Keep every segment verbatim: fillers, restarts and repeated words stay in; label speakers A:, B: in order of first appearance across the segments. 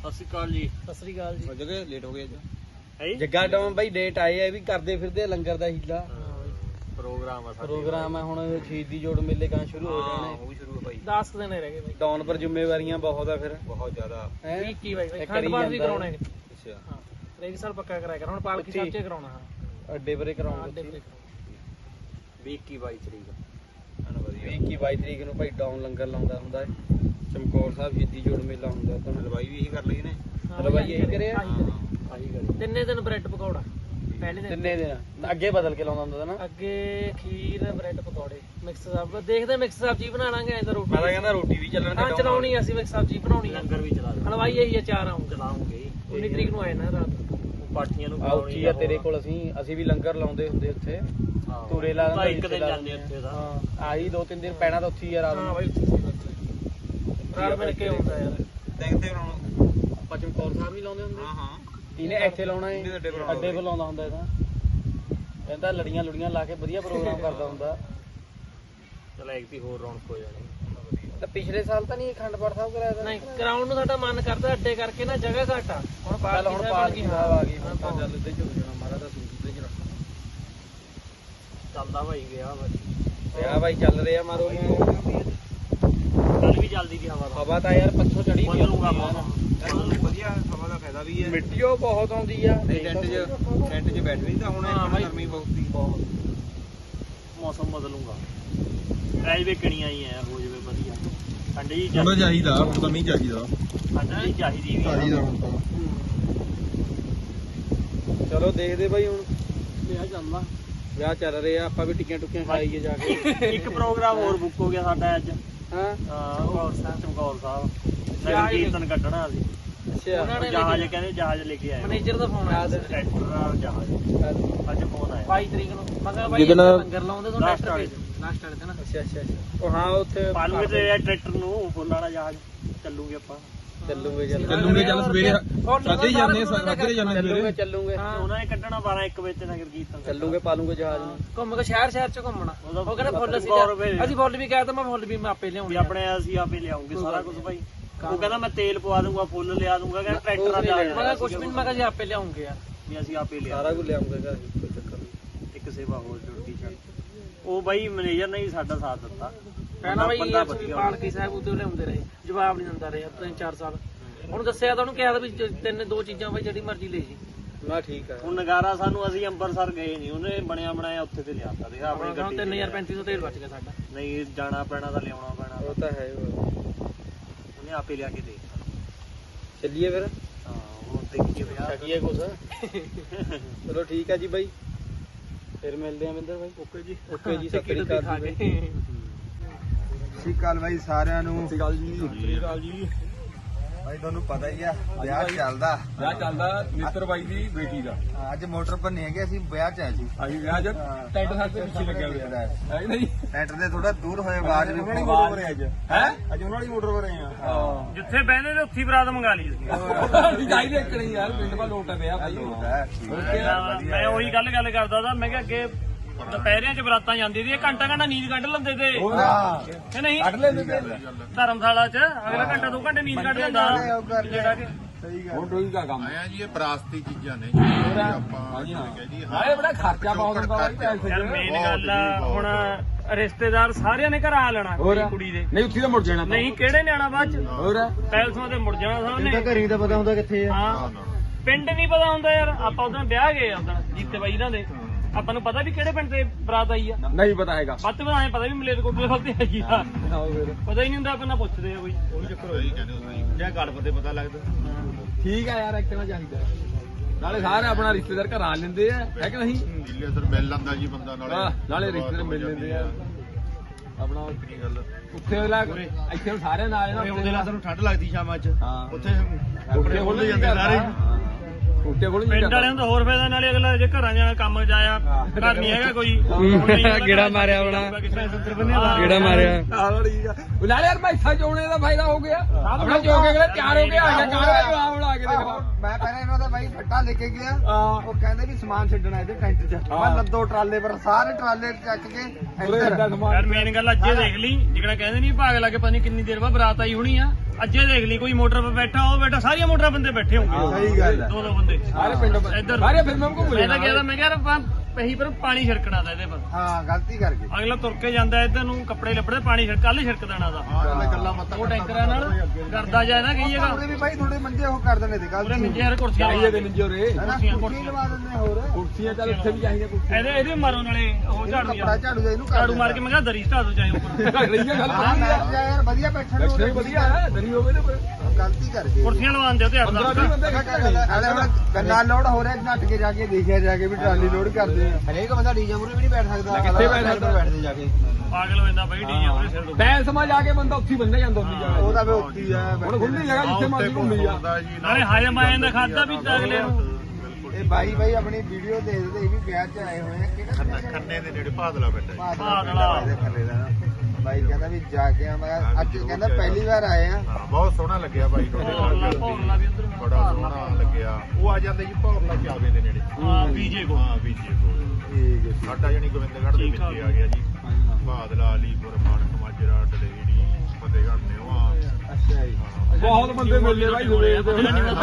A: ਸਤਿ ਸ਼੍ਰੀ ਅਕਾਲ ਜੀ।
B: ਸਤਿ ਸ੍ਰੀ ਅਕਾਲ ਜੀ।
A: ਜਗੇ ਲੇਟ ਹੋ ਗਏ ਅੱਜ
B: ਹੈ
C: ਜੱਗਾ ਡਾਊਨ ਬਾਈ ਡੇਟ ਆਏ ਆ ਵੀ ਕਰਦੇ ਫਿਰਦੇ ਲੰਗਰ ਦਾ ਹੀਲਾ
A: ਪ੍ਰੋਗਰਾਮ ਆ
C: ਪ੍ਰੋਗਰਾਮ ਹੈ ਹੁਣ ਸ਼ਹੀਦੀ ਜੋੜ ਮੇਲੇ ਕਾਂ ਸ਼ੁਰੂ ਹੋ ਜਾਣੇ
A: ਉਹ ਵੀ ਸ਼ੁਰੂ ਹੈ ਭਾਈ।
B: ਦਸ ਕੁ ਦਿਨ ਰਹਿ ਗਏ ਬਾਈ।
C: ਡਾਊਨ ਪਰ ਜ਼ਿੰਮੇਵਾਰੀਆਂ ਬਹੁਤ ਆ ਫਿਰ
A: ਬਹੁਤ ਜ਼ਿਆਦਾ
C: ਹੈ
B: ਵੀਹ ਇੱਕੀ ਬਾਈ
C: ਇਹ
B: ਖੰਡ
C: ਕਰੀ
B: ਪਾਠ ਵੀ
C: ਜਾਂਦਾ
B: ਕਰਾਉਣਾ ਹੈ।
A: ਅੱਛਾ
B: ਹਾਂ ਹਰੇਕ ਸਾਲ ਪੱਕਾ ਕਰਾਇਆ ਕਰ ਹੁਣ ਪਾਲਕੀ ਸਾਹਿਬ ਚ ਕਰਾਉਣਾ ਹਾਂ
C: ਅੱਡੇ ਪਰੇ
B: ਅੱਡੇ
C: ਕਰਾਉਣਗੇ
B: ਤੇ
A: ਵੀਹ ਇੱਕੀ ਬਾਈ ਤਰੀਕ
C: ਵੀਹ ਇੱਕੀ ਬਾਈ ਤਰੀਕ ਨੂੰ ਭਾਈ ਡਾਊਨ ਲੰਗਰ ਲਾਉਂਦਾ ਹੁੰਦਾ ਹੈ ਚਮਕੌਰ ਸਾਹਿਬ ਸ਼ਹੀਦੀ ਜੋੜ ਮੇਲਾ ਹੁੰਦਾ ਤਾਂ
A: ਹਲਵਾਈ ਵੀ ਇਹੀ ਕਰ ਲਈ ਨੇ।
C: ਹਲਵਾਈ ਇਹੀ ਕਰਿਆ
B: ਆਹੀ ਕਰੇ ਤਿੰਨੇ ਦਿਨ ਬ੍ਰੈਡ ਪਕੌੜਾ ਪਹਿਲੇ ਦਿਨ
C: ਤਿੰਨੇ ਦਿਨ ਅੱਗੇ ਬਦਲ ਕੇ ਲਾਉਂਦਾ ਹੁੰਦਾ ਨਾ
B: ਅੱਗੇ ਖੀਰ ਬ੍ਰੈਡ ਪਕੌੜੇ ਮਿਕਸ ਸਬਜ਼ੀ ਦੇਖਦੇ ਮਿਕਸ ਸਬਜ਼ੀ ਬਣਾ ਲਾਂਗੇ ਐਂ ਤਾਂ ਰੋਟੀ
C: ਮੈਂ ਤਾਂ ਕਹਿੰਦਾ ਰੋਟੀ ਵੀ ਚੱਲਣ
B: ਹਾਂ ਚਲਾਉਣੀ ਅਸੀਂ ਮਿਕਸ ਸਬਜ਼ੀ ਬਣਾਉਣੀ ਆ
A: ਲੰਗਰ ਵੀ ਚਲਾ ਦੇ
B: ਹਲਵਾਈ ਇਹੀ ਆ ਚਾਰ ਆਉਂ
A: ਚਲਾਉਂਗੇ
B: ਉਨੀ ਤਰੀਕ ਨੂੰ ਆਏ ਨਾ ਰਾਤ
A: ਪਾਠੀਆਂ ਨੂੰ
C: ਆਉਚੀ ਆ ਤੇਰੇ ਕੋਲ ਅਸੀਂ ਅਸੀਂ ਵੀ ਲੰਗਰ ਲਾਉਂਦੇ ਹੁੰਦੇ ਉੱਥੇ ਤੂਰੇ ਲਾ
A: ਤਾਂ ਇੱਕ ਦਿਨ ਜਾਂਦੇ ਉੱਥੇ ਦਾ
C: ਹਾਂ ਆਹੀ ਦੋ ਤਿੰਨ ਦਿਨ ਪੈਣਾ ਤਾਂ ਉੱਥੇ ਹੀ ਆ ਰਾਤ
B: ਹਾਂ
C: ਨੂੰ
B: ਬਾਈ ਰਾਤ ਮਿਲ ਕੇ ਹੁੰਦਾ ਯਾਰ
A: ਦੇਖਦੇ ਬਣਾਉਣਾ
C: ਆਪਾਂ ਚਮਕੌਰ ਸਾਹਿਬ ਵੀ ਲਾਉਂਦੇ ਹੁੰਦੇ
A: ਹਾਂ ਹਾਂ
C: ਇਹਨੇ ਇੱਥੇ ਲਾਉਣਾ ਹੈ
A: ਅੱਡੇ ਪਰ ਲਾਉਂਦਾ
C: ਅੱਡੇ ਪਰ ਲਾਉਂਦਾ ਹੁੰਦਾ ਇਹਦਾ ਕਹਿੰਦਾ ਲੜੀਆਂ ਲੁੜੀਆਂ ਲਾ ਕੇ ਵਧੀਆ ਪ੍ਰੋਗਰਾਮ ਕਰਦਾ ਹੁੰਦਾ
A: ਚਲ ਇੱਕ ਦੀ ਹੋਰ ਰੌਣਕ ਹੋ ਜਾਣੀ।
C: ਤਾਂ ਪਿਛਲੇ ਸਾਲ ਤਾਂ ਨਹੀਂ ਅਖੰਡ ਪਾਠ ਸਾਹਿਬ ਕਰਾਇਆ ਤਾਂ
B: ਨਹੀਂ ਗਰਾਊਂਡ ਨੂੰ ਸਾਡਾ ਮਨ ਕਰਦਾ ਅੱਡੇ ਕਰਕੇ ਨਾ ਜਗ੍ਹਾ ਘੱਟ ਆ ਹੁਣ
C: ਚੱਲ ਹੁਣ ਪਾਲਕੀ ਸਾਹਿਬ ਆ ਗਈ ਹੁਣ ਤਾਂ
B: ਹਾਂ।
C: ਚੱਲ ਇੱਥੇ ਝੁਕ ਜਾਣਾ ਮਾਰਾ ਦਾ ਸੂਟ ਤੇ ਜਰਾ
A: ਚੱਲਦਾ ਭਾਈ ਗਿਆ ਭਾਈ
C: ਵਿਆਹ ਬਾਈ ਚੱਲ ਰਿਹਾ ਮਾਰੋ
A: ਕੱਲ ਵੀ ਚੱਲਦੀ ਦੀ ਹਵਾ ਦਾ
C: ਹਵਾ ਤਾਂ ਯਾਰ ਪੱਛੋਂ ਚੜੀ
A: ਬਦਲੂਗਾ ਬਹੁਤ ਵਧੀਆ ਹਵਾ ਦਾ ਫਾਇਦਾ ਵੀ ਹੈ।
C: ਮਿੱਟੀ ਉਹ ਬਹੁਤ ਆਉਂਦੀ ਆ
A: ਟੈਂਟ 'ਚ ਟੈਂਟ 'ਚ ਬੈਠ ਨਹੀਂ ਤਾਂ ਹੁਣ
B: ਹਾਂ ਬਾਈ।
A: ਗਰਮੀ ਬਹੁਤ ਸੀ ਮੌਸਮ ਬਦਲੂਗਾ ਐਜ ਵੀ ਕਿਣੀਆਂ ਹੀ ਐ ਹੋ ਜਵੇ ਵਧੀਆ ਠੰਡੀ ਜੀ
D: ਥੋੜਾ ਚਾਹੀਦਾ ਤਾਂ ਨਹੀਂ ਚਾਹੀਦਾ
A: ਠੰਡੀ ਚਾਹੀਦੀ ਵੀ
D: ਚਾਹੀਦਾ ਹੁਣ ਤਾਂ
C: ਚਲੋ ਦੇਖਦੇ ਬਾਈ ਹੁਣ
B: ਵਿਆਹ ਚੱਲਦਾ
C: ਵਿਆਹ ਚੱਲ ਰਿਹਾ ਆਪਾਂ ਵੀ ਟਿੱਕੀਆਂ ਟੁੱਕੀਆਂ ਖਾਈਏ ਜਾ ਕੇ
A: ਇੱਕ ਪ੍ਰੋਗਰਾਮ ਹੋਰ ਬੁੱਕ ਹੋ ਗਿਆ ਸਾਡਾ ਅੱਜ
C: ਹਾਂ
A: ਚਮਕੌਰ ਸਾਹਿਬ ਚਮਕੌਰ ਸਾਹਿਬ ਨਗਰ ਕੀਰਤਨ ਕੱਢਣਾ ਸੀ
C: ਅੱਛਾ
B: ਉਹਨਾਂ ਨੇ
A: ਜਹਾਜ਼ ਕਹਿੰਦੇ ਜਹਾਜ਼ ਲੈ ਕੇ ਆਏ
B: ਮੈਨੇਜਰ ਦਾ ਫੋਨ ਆਇਆ
A: ਟਰੈਕਟਰ ਨਾਲ ਜਹਾਜ਼ ਅੱਜ ਫੋਨ ਆਇਆ
B: ਬਾਈ ਤਰੀਕ ਨੂੰ ਮੈਂ ਕਿਹਾ ਬਾਈ
C: ਜਿਹਦੇ ਨਾਲ-
B: ਲੰਗਰ ਲਾਉਂਦੇ ਤੋਂ
A: ਲਾਸਟ
B: ਟਰੈਕਟਰ
A: ਵਾਲੇ
B: ਭੇਜ ਲਾਸਟ ਵਾਲੇ ਤੇ ਨਾ
C: ਅੱਛਾ ਅੱਛਾ ਅੱਛਾ ਉਹ ਹਾਂ ਉੱਥੇ
A: ਪਾਲੂਗੇ ਤੇ ਟਰੈਕਟਰ ਨੂੰ ਫੁੱਲ ਵਾਲਾ ਜਹਾਜ਼ ਚੱਲੂਗੇ ਆਪਾਂ
C: ਚੱਲੂਗੇ ਚੱਲ
D: ਚੱਲੂਗੇ ਚੱਲ ਸਵੇਰੇ ਸਾਦੇ ਹੀ ਜਾਂਦੇ ਸਾਦੇ ਜਾਂਦੇ
C: ਚੱਲੂਗੇ
D: ਸਵੇਰੇ
C: ਚੱਲੂਗੇ
B: ਹਾਂ।
A: ਉਹਨਾਂ ਨੇ ਕੱਢਣਾ ਬਾਰਾਂ ਇੱਕ ਵਜੇ ਤੇ ਨਗਰ ਕੀਰਤਨ
C: ਚੱਲੂਗੇ ਪਾਲੂਗੇ ਜਹਾਜ਼ ਨੂੰ
B: ਘੁੰਮ ਕੇ ਸ਼ਹਿਰ ਸ਼ਹਿਰ ਚ ਘੁੰਮਣਾ
A: ਉਹਦਾ
B: ਉਹ ਕਹਿੰਦਾ ਫੁੱਲ ਅਸੀਂ
A: ਸੌ ਰੁਪਏ
B: ਅਸੀਂ ਫੁੱਲ ਵੀ ਕਹਿ ਤਾ ਮੈਂ ਫੁੱਲ ਵੀ ਮੈਂ ਆਪੇ
A: ਵੀ
B: ਲਿਆਉਂਗੀ
A: ਆਪਣੇ ਅਸੀਂ ਆਪੇ ਲਿਆਉਂਗੇ ਸਾਰਾ ਕੁਝ ਭਾਈ ਉਹ ਕਹਿੰਦਾ ਮੈਂ ਤੇਲ ਪਵਾ ਦੂੰਗਾ ਫੁੱਲ ਲਿਆ ਦੂੰਗਾ ਕਹਿੰਦਾ ਟਰੈਕਟਰ
C: ਉਹ
A: ਨਾਲ
C: ਨਹੀਂ
A: ਜਾ
C: ਲੈਣਾ।
B: ਮੈਂ ਕਿਹਾ ਕੁਛ ਵੀ ਨੀ, ਮੈਂ ਕਿਹਾ ਜੀ ਆਪੇ ਲਿਆਉਂਗੇ ਯਾਰ
A: ਵੀ ਅਸੀਂ ਆਪੇ ਲਿਆ
C: ਸਾਰਾ ਕੁਝ ਲਿਆਉਂਗੇ ਘਰ ਕੋਈ ਚੱਕਰ ਨਹੀਂ
A: ਇੱਕ ਸੇਵਾ ਹੋਰ ਜੁੜਦੀ ਚੱਲ ਉਹ ਬਾਈ ਮੈਨੇਜਰ ਨੇ ਹੀ ਸਾਡਾ ਸਾਥ ਦਿੱਤਾ
B: ਪਹਿਲਾਂ ਬਈ
A: ਬੰਦਾ
B: ਅਸੀਂ
A: ਵਧੀਆ
B: ਪਾਲਕੀ ਸਾਹਿਬ ਉੱਤੇ ਲਿਆਉਂਦੇ ਰਹੇ ਜਵਾਬ ਨਹੀਂ ਦਿੰਦਾ ਰਿਹਾ ਤਿੰਨ ਚਾਰ ਸਾਲ ਹੁਣ ਦੱਸਿਆ ਤਾਂ ਉਹਨੂੰ ਕਿਹਾ ਤਾਂ ਵੀ ਜ- ਤਿੰਨ ਦੋ ਚੀਜ਼ਾਂ ਬਈ ਜਿਹੜੀ ਮਰਜ਼ੀ ਲੈ ਜੀ
C: ਨਾ ਠੀਕ ਹੈ
A: ਹੁਣ ਨਗਾਰਾ ਸਾਨੂੰ ਅਸੀਂ ਅੰਮ੍ਰਿਤਸਰ ਗਏ ਨਹੀਂ ਉਹਨੇ ਬਣਿਆ ਬਣਾਇਆ ਉੱਥੇ ਤੇ ਲਿਆਤਾ ਦੇਖ ਆਪਣੀ
B: ਆਪਣਾ
A: ਗੱਡੀ
B: ਤਿੰਨ ਹਜ਼ਾਰ ਪੈਂਤੀ ਸੌ ਤੇਲ ਬਚ ਗਿਆ ਸਾਡਾ
A: ਨਹੀਂ ਜਾਣਾ ਪੈਣਾ ਤਾਂ ਲਿਆਉਣਾ ਪੈਣਾ
C: ਉਹ ਤਾਂ ਹੈ ਉਹ।
A: ਉਹਨੇ ਆਪੇ ਲਿਆ ਕੇ ਦੇ
C: ਚੱਲੀਏ ਫਿਰ
A: ਹਾਂ ਹੁਣ ਦੇਖੀਏ ਵਿਆਹ
C: ਛਕੀਏ ਕੁਛ ਚਲੋ ਠੀਕ ਹੈ ਜੀ ਬਾਈ ਫਿਰ ਮਿਲਦੇ ਆ ਮਿੰਦਰ ਬਾਈ ਓਕੇ ਜੀ ਓਕੇ ਜੀ ਸਤਿ ਸ੍ਰੀ ਅਕਾਲ ਜੀ ਬਾਈ।
D: ਸਤਿ ਸ਼੍ਰੀ ਅਕਾਲ ਬਾਈ ਸਾਰਿਆਂ ਨੂੰ ਸਤਿ ਸ਼੍ਰੀ ਅਕਾਲ ਜੀ ਸਤਿ ਸ਼੍ਰੀ ਅਕਾਲ ਜੀ
E: ਭਾਈ ਤੁਹਾਨੂੰ ਪਤਾ ਹੀ ਆ ਵਿਆਹ ਚੱਲਦਾ
D: ਵਿਆਹ ਚੱਲਦਾ ਮਿੱਤਰ ਬਾਈ ਦੀ ਬੇਟੀ ਦਾ
E: ਅੱਜ ਮੋਟਰ ਪਰ ਨਹੀਂ ਹੈਗੇ ਅਸੀਂ ਵਿਆਹ ਚ ਆਏ ਸੀ
D: ਅਸੀਂ ਵਿਆਹ ਚ ਟੈਂਟ ਸਾਡੇ ਪਿੱਛੇ ਲੱਗਿਆ ਹੋਇਆ ਹੈ ਨਹੀਂ
E: ਟੈਂਟਰ ਦੇ ਥੋੜਾ ਦੂਰ ਹੋਏ ਆਵਾਜ਼ ਵੀ
D: ਉਹਨਾਂ ਦੀ ਮੋਟਰ ਪਰ ਅੱਜ ਹੈ ਅੱਜ ਉਹਨਾਂ ਦੀ ਮੋਟਰ ਪਰ ਆਏ ਆ
A: ਜਿੱਥੇ ਬਹਿੰਦੇ ਤੇ ਉੱਥੇ ਬਰਾਤ ਮੰਗਾ ਲਈ
D: ਅਸੀਂ ਜਾਈ ਦੇਖਣੀ ਯਾਰ ਪਿੰਡ ਦਾ ਲੋਟ ਹੈ ਵਿਆਹ ਭਾਈ
A: ਮੈਂ ਉਹੀ ਗੱਲ ਗੱਲ ਕਰਦਾ ਤਾਂ ਮੈਂ ਕਿਹਾ ਅੱਗੇ ਦੁਪਹਿਰਿਆਂ ਚ ਬਰਾਤਾਂ ਜਾਂਦੀ ਸੀ ਘੰਟਾ ਘੰਟਾ ਨੀਂਦ ਕੱਢ ਲੈਂਦੇ ਤੇ
D: ਹੋਰ
A: ਕਿ ਨਹੀਂ
D: ਕੱਢ ਲੈਂਦੇ ਤੇ
A: ਧਰਮਸ਼ਾਲਾ ਚ ਅਗਲਾ ਘੰਟਾ ਦੋ ਘੰਟੇ ਨੀਂਦ ਕੱਢ ਲੈਂਦਾ ਜਿਹੜਾ ਕਿ
D: ਹੁਣ ਟੋਈ ਦਾ ਕੰਮ
F: ਆਇਆ ਜੀ ਇਹ ਵਿਰਾਸਤੀ ਚੀਜ਼ਾਂ ਨੇ ਜਿਹੜੀ ਆਪਾਂ
D: ਹਾਂਜੀ ਹਾਂ
F: ਕਹਿ ਦਈਏ
D: ਨਾਲੇ ਬੜਾ ਖਰਚਾ ਬਹੁਤ ਹੁੰਦਾ ਬਾਈ ਪੈਸੇ
A: ਯਾਰ ਮੇਨ ਗੱਲ ਆ ਹੁਣ ਰਿਸ਼ਤੇਦਾਰ ਸਾਰਿਆਂ ਨੇ ਘਰ ਆ ਲੈਣਾ
D: ਹੋਰ
A: ਕੁੜੀ ਦੇ
D: ਨਹੀਂ ਉੱਥੇ ਤਾਂ ਮੁੜ ਜਾਣਾ
A: ਨਹੀਂ ਕਿਹੜੇ ਨੇ ਆਣਾ ਬਾਅਦ ਚ
D: ਹੋਰ
A: ਪੈਲਸਾਂ ਤੇ ਮੁੜ ਜਾਣਾ ਸਾਹਮਣੇ
C: ਘਰੀ ਤਾਂ ਪਤਾ ਹੁੰਦਾ ਕਿੱਥੇ ਆ
A: ਹਾਂ ਪਿੰਡ ਨਹੀਂ ਪਤਾ ਹੁੰਦਾ ਯਾਰ ਆਪਾਂ ਉਦੋਂ ਵਿਆਹ ਗਏ ਉਦੋਂ ਜੀਤੇ ਬਾਈ ਇਹਨਾਂ ਦੇ ਆਪਾਂ ਨੂੰ ਪਤਾ ਵੀ ਕਿਹੜੇ ਪਿੰਡ ਤੇ ਬਰਾਤ ਆਈ ਆ
D: ਨਹੀਂ ਪਤਾ ਹੈਗਾ
A: ਵੱਧ ਤੋਂ ਵੱਧ ਪਤਾ ਵੀ ਮਲੇਰਕੋਟਲੇ ਵੱਲ ਤੇ ਆਈ ਆ ਪਤਾ ਹੀ ਨਹੀਂ ਹੁੰਦਾ ਆਪਾਂ ਨਾ ਪੁੱਛਦੇ ਆ ਕੋਈ ਉਹੀ ਚੱਕਰ
F: ਸਹੀ ਕਹਿੰਦੇ ਹੋ ਸਹੀ
A: ਜਾਂ ਗੜਪ ਤੇ ਪਤਾ ਲੱਗਦਾ
D: ਠੀਕ ਆ ਯਾਰ ਇੱਕ ਨਾ ਚਾਹੀਦਾ ਨਾਲੇ ਸਾਰੇ ਆਪਣਾ ਰਿਸ਼ਤੇਦਾਰ ਘਰ ਆ ਲੈਂਦੇ ਆ ਹੈ ਕਿ ਨਹੀਂ
F: ਦਿੱਲੀ ਅਸਰ ਮਿਲ ਲੈਂਦਾ ਜੀ ਬੰਦਾ ਨਾਲੇ
D: ਆਹ, ਨਾਲੇ ਰਿਸ਼ਤੇਦਾਰ ਮਿਲ ਲੈਂਦੇ ਆ ਆਪਣਾ
F: ਕੀ ਗੱਲ
D: ਉੱਥੇ ਵਾਲਾ ਇੱਥੇ ਹੁਣ ਸਾਰੇ ਨਾਲ ਇਹਨਾਂ
A: ਉਹਦੇ ਨਾਲ ਤੁਹਾਨੂੰ ਠੰਡ ਲੱਗਦੀ ਸ਼ਾਮਾਂ ਚ
D: ਹਾਂ
A: ਉੱਥੇ
D: ਉੱਥੇ ਖੁੱਲ ਜਾਂਦੇ ਸਾਰੇ ਉੱਥੇ ਕੋਲ
A: ਪਿੰਡ ਵਾਲਿਆਂ ਨੂੰ ਤਾਂ ਹੋਰ ਫਾਇਦਾ ਨਾਲੇ ਅਗਲਾ ਜੇ ਘਰਾਂ ਜਾਣਾ ਕੰਮ ਜਾਇਆ ਘਰ ਨਹੀਂ ਹੈਗਾ ਕੋਈ
C: ਗੇੜਾ ਮਾਰਿਆ ਹੋਣਾ।
A: ਕਿਹੜਾ
C: ਮਾਰਿਆ
D: ਨਾਲੇ ਯਾਰ ਮੈਥਾ ਚੋਣੇ ਦਾ ਫਾਇਦਾ ਹੋ ਗਿਆ ਆਪਣਾ ਚੋ ਕੇ ਅਗਲੇ ਤਿਆਰ ਹੋ ਕੇ ਆ ਗਿਆ ਕਾਰ ਜਵਾਬ ਲਾ ਕੇ ਦੇਖ
E: ਮੈਂ ਪਹਿਲਾਂ ਇਹਨਾਂ ਦਾ ਬਾਈ ਬਾਈ ਫੱਟਾ ਲੈ ਕੇ ਗਿਆ
D: ਹਾਂ
E: ਉਹ ਕਹਿੰਦੇ ਵੀ ਸਮਾਨ ਛੱਡਣਾ ਇਹਦੇ ਟੈਂਟ 'ਚ
D: ਹਾਂ।
E: ਮੈਂ ਲੱਦੋ ਟਰਾਲੇ ਪਰ ਸਾਰੇ ਟਰਾਲੇ ਚੱਕ ਕੇ
D: ਉਰੇ
E: ਇੱਧਰ
D: ਏਦਾਂ ਸਮਾਨ
A: ਯਾਰ ਮੇਨ ਗੱਲ ਅੱਜੇ ਦੇਖ ਲਈ ਜਿਹੜਾ ਕਹਿੰਦੇ ਨਹੀਂ ਭਾਗ ਲਾ ਕੇ ਪਤਾ ਨਹੀਂ ਕਿੰਨੀ ਦੇਰ ਬਾਅਦ ਬਰਾਤ ਆਈ ਹੋਣੀ ਆ ਅੱਜੇ ਦੇਖ ਲਈ ਕੋਈ ਮੋਟਰ 'ਤੇ ਬੈਠਾ ਉਹ ਬੈਠਾ ਸਾਰੀਆਂ ਮੋਟਰਾਂ ਬੰਦੇ ਬੈਠੇ ਹੋਣਗੇ
E: ਸਹੀ ਗੱਲ ਹੈ
A: ਦੋ ਦੋ ਬੰਦੇ
D: ਸਾਰੇ ਪਿੰਡ
A: ਇੱਧਰ
D: ਸਾਰੇ ਫਿਲਮਾਂ ਨੂੰ ਘੁੰਮ
A: ਮੈਂ ਤਾਂ ਕਹਿੰਦਾ ਮੈਂ ਕਿਹਾ ਪਹੀ ਪਰ ਪਾਣੀ ਛਿੜਕਣਾ ਦਾ ਇਹਦੇ ਪਰ
E: ਹਾਂ ਗਲਤੀ ਕਰ ਗਏ
A: ਅਗਲਾ ਤੁਰ ਕੇ ਜਾਂਦਾ ਇੱਧਰ ਨੂੰ ਕੱਪੜੇ ਲੱਭੜੇ ਪਾਣੀ ਛਿੜਕ ਕੱਲ ਹੀ ਛਿੜਕ ਦੇਣਾ ਦਾ
F: ਹਾਂ ਕੱਲਾ ਮੱਤਾ
A: ਉਹ ਟੈਂਕਰਾਂ ਨਾਲ ਕਰਦਾ ਜਾਏ ਨਾ ਕਹੀ ਜਗ੍ਹਾ
E: ਉਹਦੇ ਵੀ ਬਾਈ ਥੋੜੇ ਮੰਜੇ ਉਹ ਕਰ ਦਿੰਦੇ ਤੇ
A: ਪੂਰੇ
E: ਗਲਤੀ
A: ਮਿੰਜੇ ਯਾਰ ਕੁਰਸੀਆਂ
D: ਚਾਹੀਏ ਦੇ ਨਿੰਜੋ ਰੇ
E: ਹੈ ਨਾ
A: ਕੁਰਸੀਆਂ,
E: ਕੁਰਸੀ ਲਵਾ ਦਿੰਦੇ ਹੋਰ
D: ਕੁਰਸੀਆਂ ਚੱਲ ਉੱਥੇ ਵੀ ਚਾਹੀਦੀਆਂ ਕੁਰਸੀਆਂ
A: ਇਹਦੇ ਇਹਦੇ ਮਾਰੋ ਨਾਲੇ ਉਹ ਝਾੜੂ
E: ਕੱਪੜਾ
A: ਯਾਰ
E: ਝਾੜੂ ਇਹਨੂੰ ਕਰ
A: ਝਾੜੂ ਮਾਰ ਕੇ ਮੈਂ ਕਿਹਾ ਦਰੀ ਢਾ ਦੋ ਚਾਹੇ ਉੱਪਰ
D: ਰਹੀਆਂ ਗੱਲ
E: ਹਾਂ
D: ਵਧੀਆ
E: ਬੈਠ ਜਾ ਯਾਰ ਵਧੀਆ ਬੈਠਣ ਨੂੰ
D: ਲੱਛਣ ਵਧੀਆ ਹੈ ਦਰੀ ਹੋਵੇ ਤੇ ਫਿਰ
E: ਗਲਤੀ ਕਰ ਗਏ
A: ਕੁਰਸੀਆਂ ਲਵਾਉਣ ਦਿਓ ਤੇ ਅੱਠ
D: ਪੰਦਰਾਂ
A: ਦਸ
D: ਵੀਹ ਬੰਦੇ
E: ਅਰੇ ਹੁਣ ਗੰਨਾ ਲੋਡ ਹੋ ਰਿਹਾ ਨੱਟ ਕੇ ਜਾ ਕੇ ਦੇਖਿਆ ਜਾ ਕੇ ਵੀ ਟਰਾਲੀ ਲੋਡ ਕਰਦੇ ਆ ਹਰੇਕ ਬੰਦਾ ਡੀਜੇ ਮੂਰੇ ਵੀ ਨਹੀਂ ਬੈਠ ਸਕਦਾ
D: ਕਿੱਥੇ ਬੈਠ ਸਕਦਾ?
E: ਬੈਠਦੇ ਜਾ ਕੇ
A: ਪਾਗਲ ਹੋ ਜਾਂਦਾ ਬਈ ਡੀਆਂ ਉਹਦੇ ਸਿਰ ਤੋਂ
D: ਬੈਲ ਸਮਝ ਆ ਕੇ ਬੰਦਾ ਉੱਥੇ ਹੀ ਬੰਨਿਆ ਜਾਂਦਾ ਹੁੰਦੀ ਜਗ੍ਹਾ
E: ਉਹ ਤਾਂ ਫੇ ਉੱਤੀ ਆ
D: ਹੁਣ ਖੁੱਲੀ ਜਗ੍ਹਾ ਜਿੱਥੇ ਮਰਜ਼ੀ ਘੁੰਮੀ ਜਾ
A: ਨਾਲੇ ਹਾਜ਼ਮ ਆਏ ਦਾ ਖਾਦਾ ਵੀ ਅਗਲੇ ਨੂੰ
E: ਇਹ ਬਾਈ ਬਾਈ ਆਪਣੀ ਵੀਡੀਓ ਦੇਖਦੇ ਇਹ ਵੀ ਵਿਆਹ 'ਚ ਆਏ ਹੋਏ ਆ ਕਿਹੜਾ
F: ਖੰਨੇ ਦੇ ਨੇੜੇ ਭਾਦਲਾ ਬੈਠਾ
E: ਭਾਦਲਾ ਦੇ ਥੱਲੇ ਦਾ ਨਾ। ਬਾਈ ਕਹਿੰਦਾ ਵੀ ਜਾ ਕੇ ਆ ਮੈਂ ਅੱਜ ਕਹਿੰਦਾ ਪਹਿਲੀ ਵਾਰ ਆਏ ਆ
F: ਹਾਂ ਬਹੁਤ ਸੋਹਣਾ ਲੱਗਿਆ ਬਾਈ ਤੁਹਾਡੇ ਨਾਲ
A: ਭੌਰਲਾ ਵੀ ਉਧਰ
F: ਬੜਾ ਸੋਹਣਾ ਲੱਗਿਆ ਉਹ ਆ ਜਾਂਦੇ ਜੀ ਭੌਰਲਾ ਚਾਵੇ ਦੇ ਨੇੜੇ
A: ਹਾਂ ਬੀਜੇ ਕੋ
F: ਹਾਂ ਬੀਜੇ ਕੋਲ
E: ਠੀਕ ਹੈ
F: ਸਾਡਾ ਜਣੀ ਗੋਬਿੰਦਗੜ੍ਹ ਦੇ ਵਿੱਚ ਹੀ ਆ ਗਿਆ ਜੀ ਭਾਦਲਾ ਅਲੀਪੁਰ ਮਾਨਕ ਮਾਜਰਾ ਡਲੇੜੀ ਫਤਿਹਗੜ੍ਹ ਨੇਵਾ
E: ਅੱਛਾ ਜੀ
D: ਬਹੁਤ ਬੰਦੇ ਮਿਲਦੇ ਬਾਈ ਸਵੇਰ ਦੇ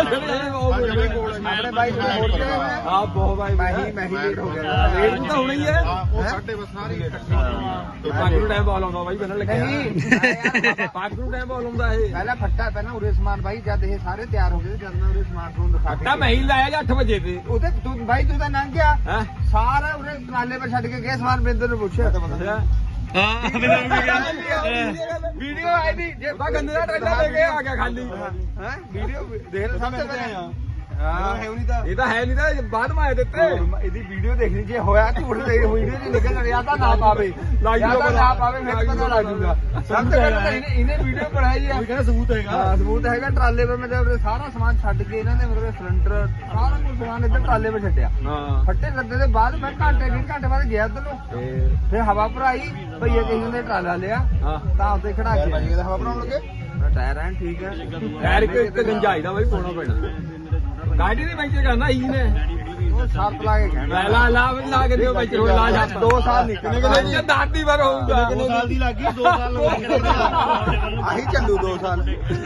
E: ਆਪਣੇ ਬਾਈ ਕੋਲ ਹੋਰ ਕਿਹੜੇ ਹੋਏ ਆ
D: ਹਾਂ ਬਹੁਤ ਬਾਈ
E: ਮੈਂ ਹੀ ਮੈਂ ਹੀ ਲੇਟ ਹੋ ਗਿਆ
D: ਲੇਟ ਤਾਂ ਹੋਣਾ ਹੀ ਹੈ
F: ਹਾਂ ਉਹ ਸਾਡੇ ਬਸ ਸਾਰੇ ਇਕੱਠੇ
D: ਇਹ ਪੱਗ ਨੂੰ ਟਾਈਮ ਬਾਲ ਆਉਂਦਾ ਬਾਈ ਬੰਨਣ ਲੱਗਿਆ
E: ਨਹੀਂ
D: ਪੱਗ ਨੂੰ ਟਾਈਮ ਬਾਲ ਆਉਂਦਾ ਇਹ
E: ਪਹਿਲਾਂ ਫੱਟਾ ਪਹਿਲਾਂ ਉਰੇ ਸਮਾਨ ਬਾਈ ਜਦ ਇਹ ਸਾਰੇ ਤਿਆਰ ਹੋ ਗਏ ਜਦ ਮੈਂ ਉਰੇ ਸਮਾਨ ਨੂੰ ਦਿਖਾ ਕੇ
D: ਤਾਂ ਮੈਂ ਹੀ ਲਾਇਆ ਜੀ ਅੱਠ ਵਜੇ ਤੇ
E: ਉਹਦੇ ਤੂੰ ਬਾਈ ਤੂੰ ਤਾਂ ਲੰਘ ਗਿਆ
D: ਹੈ
E: ਸਾਰਾ ਉਰੇ ਟਰਾਲੇ 'ਤੇ ਛੱਡ ਕੇ ਗਏ ਸਮਾਨ ਬਿੰਦਰ ਨੂੰ ਪੁੱਛਿਆ
A: ਹਾਂ
E: ਵੀਡੀਓ ਆਈ ਦੀ ਜੇ
D: ਉਹਦਾ ਗੰਨੇ ਦਾ ਟਰੈਕਟਰ ਲੈ ਕੇ ਆ ਗਿਆ ਖਾਲੀ
E: ਹੈ ਵੀਡੀਓ ਦੇਖ ਸਭ ਤੋਂ ਪਹਿਲਾਂ ਹਾਂ ਹੈ ਨਹੀਂ ਤਾਂ
D: ਇਹ ਤਾਂ ਹੈ ਨਹੀਂ ਤਾਂ ਬਾਅਦ ਮੈਂ ਆਏ ਦਿੱਤੇ
E: ਇਹਦੀ ਵੀਡੀਓ ਦੇਖਣੀ ਜੇ ਹੋਇਆ ਝੂਠ ਤੇ ਵੀਡੀਓ ਚ ਨਿਕਲ ਰਿਹਾ ਤਾਂ ਨਾ ਪਾਵੇ
D: ਲੱਗ
E: ਜਾਂ
D: ਜੂਗਾ
E: ਤਾਂ ਨਾ ਪਾਵੇ ਫਿਰ ਪਤਾ ਲੱਗ ਜੂਗਾ ਸਭ ਤੋਂ ਪਹਿਲਾਂ ਤਾਂ ਇਹਨੇ ਇਹਨੇ ਵੀਡੀਓ ਬਣਾਈ ਆ
D: ਕਹਿੰਦਾ ਸਬੂਤ ਹੈਗਾ
E: ਹਾਂ ਸਬੂਤ ਹੈਗਾ ਟਰਾਲੇ 'ਤੇ ਮਤਲਬ ਸਾਰਾ ਸਮਾਨ ਛੱਡ ਕੇ ਇਹਨਾਂ ਨੇ ਮਤਲਬ ਸਿਲੰਡਰ ਸਾਰਾ ਕੁਝ ਸਮਾਨ ਇੱਧਰ ਟਰਾਲੇ 'ਤੇ ਛੱਡਿਆ
D: ਹਾਂ
E: ਫੱਟੇ ਲੱਦੇ ਦੇ ਬਾਅਦ ਮੈਂ ਘੰਟੇ ਡੇਢ ਘੰਟੇ ਬਾਅਦ ਗਿਆ ਉੱਧਰ ਨੂੰ ਫਿਰ ਹਵਾ ਭਰਾਈ ਭਈਏ ਕਿਸੇ ਨੇ ਟਰਾਲਾ ਲਿਆ
D: ਹਾਂ
E: ਤਾਂ ਉੱਤੇ ਖੜਾ ਕੇ ਹਵਾ ਭਰਾਉਣ ਲੱਗੇ ਟਾਇਰ ਐਨ ਠੀਕ ਹੈ
D: ਯਾਰ ਇੱਕ ਇੱਕ ਗੰਜਾਈ ਦਾ ਬਾਈ ਪਾਉਣਾ ਪੈਣਾ ਗਾੜੀ ਦੇ ਵਿੱਚ ਕਰਨਾ ਹੀ ਨੇ
E: ਉਹ ਸੱਤ ਲਾ ਕੇ ਕਹਿਣਾ
D: ਲਾ ਲਾ ਲਾ ਲਾ ਕੇ ਦਿਓ ਵਿੱਚ ਰੋਜ਼ ਲਾ ਜਾ
E: ਦੋ ਸਾਲ ਨਿਕਲਣੇ
D: ਕਿੰਨੇ ਕਿ ਦਾਦੀ ਵਾਰ ਹੋਊਗਾ
A: ਦੋ ਸਾਲ ਦੀ ਲੱਗੀ ਦੋ ਸਾਲ
E: ਆਹੀ ਚੱਲੂ ਦੋ ਸਾਲ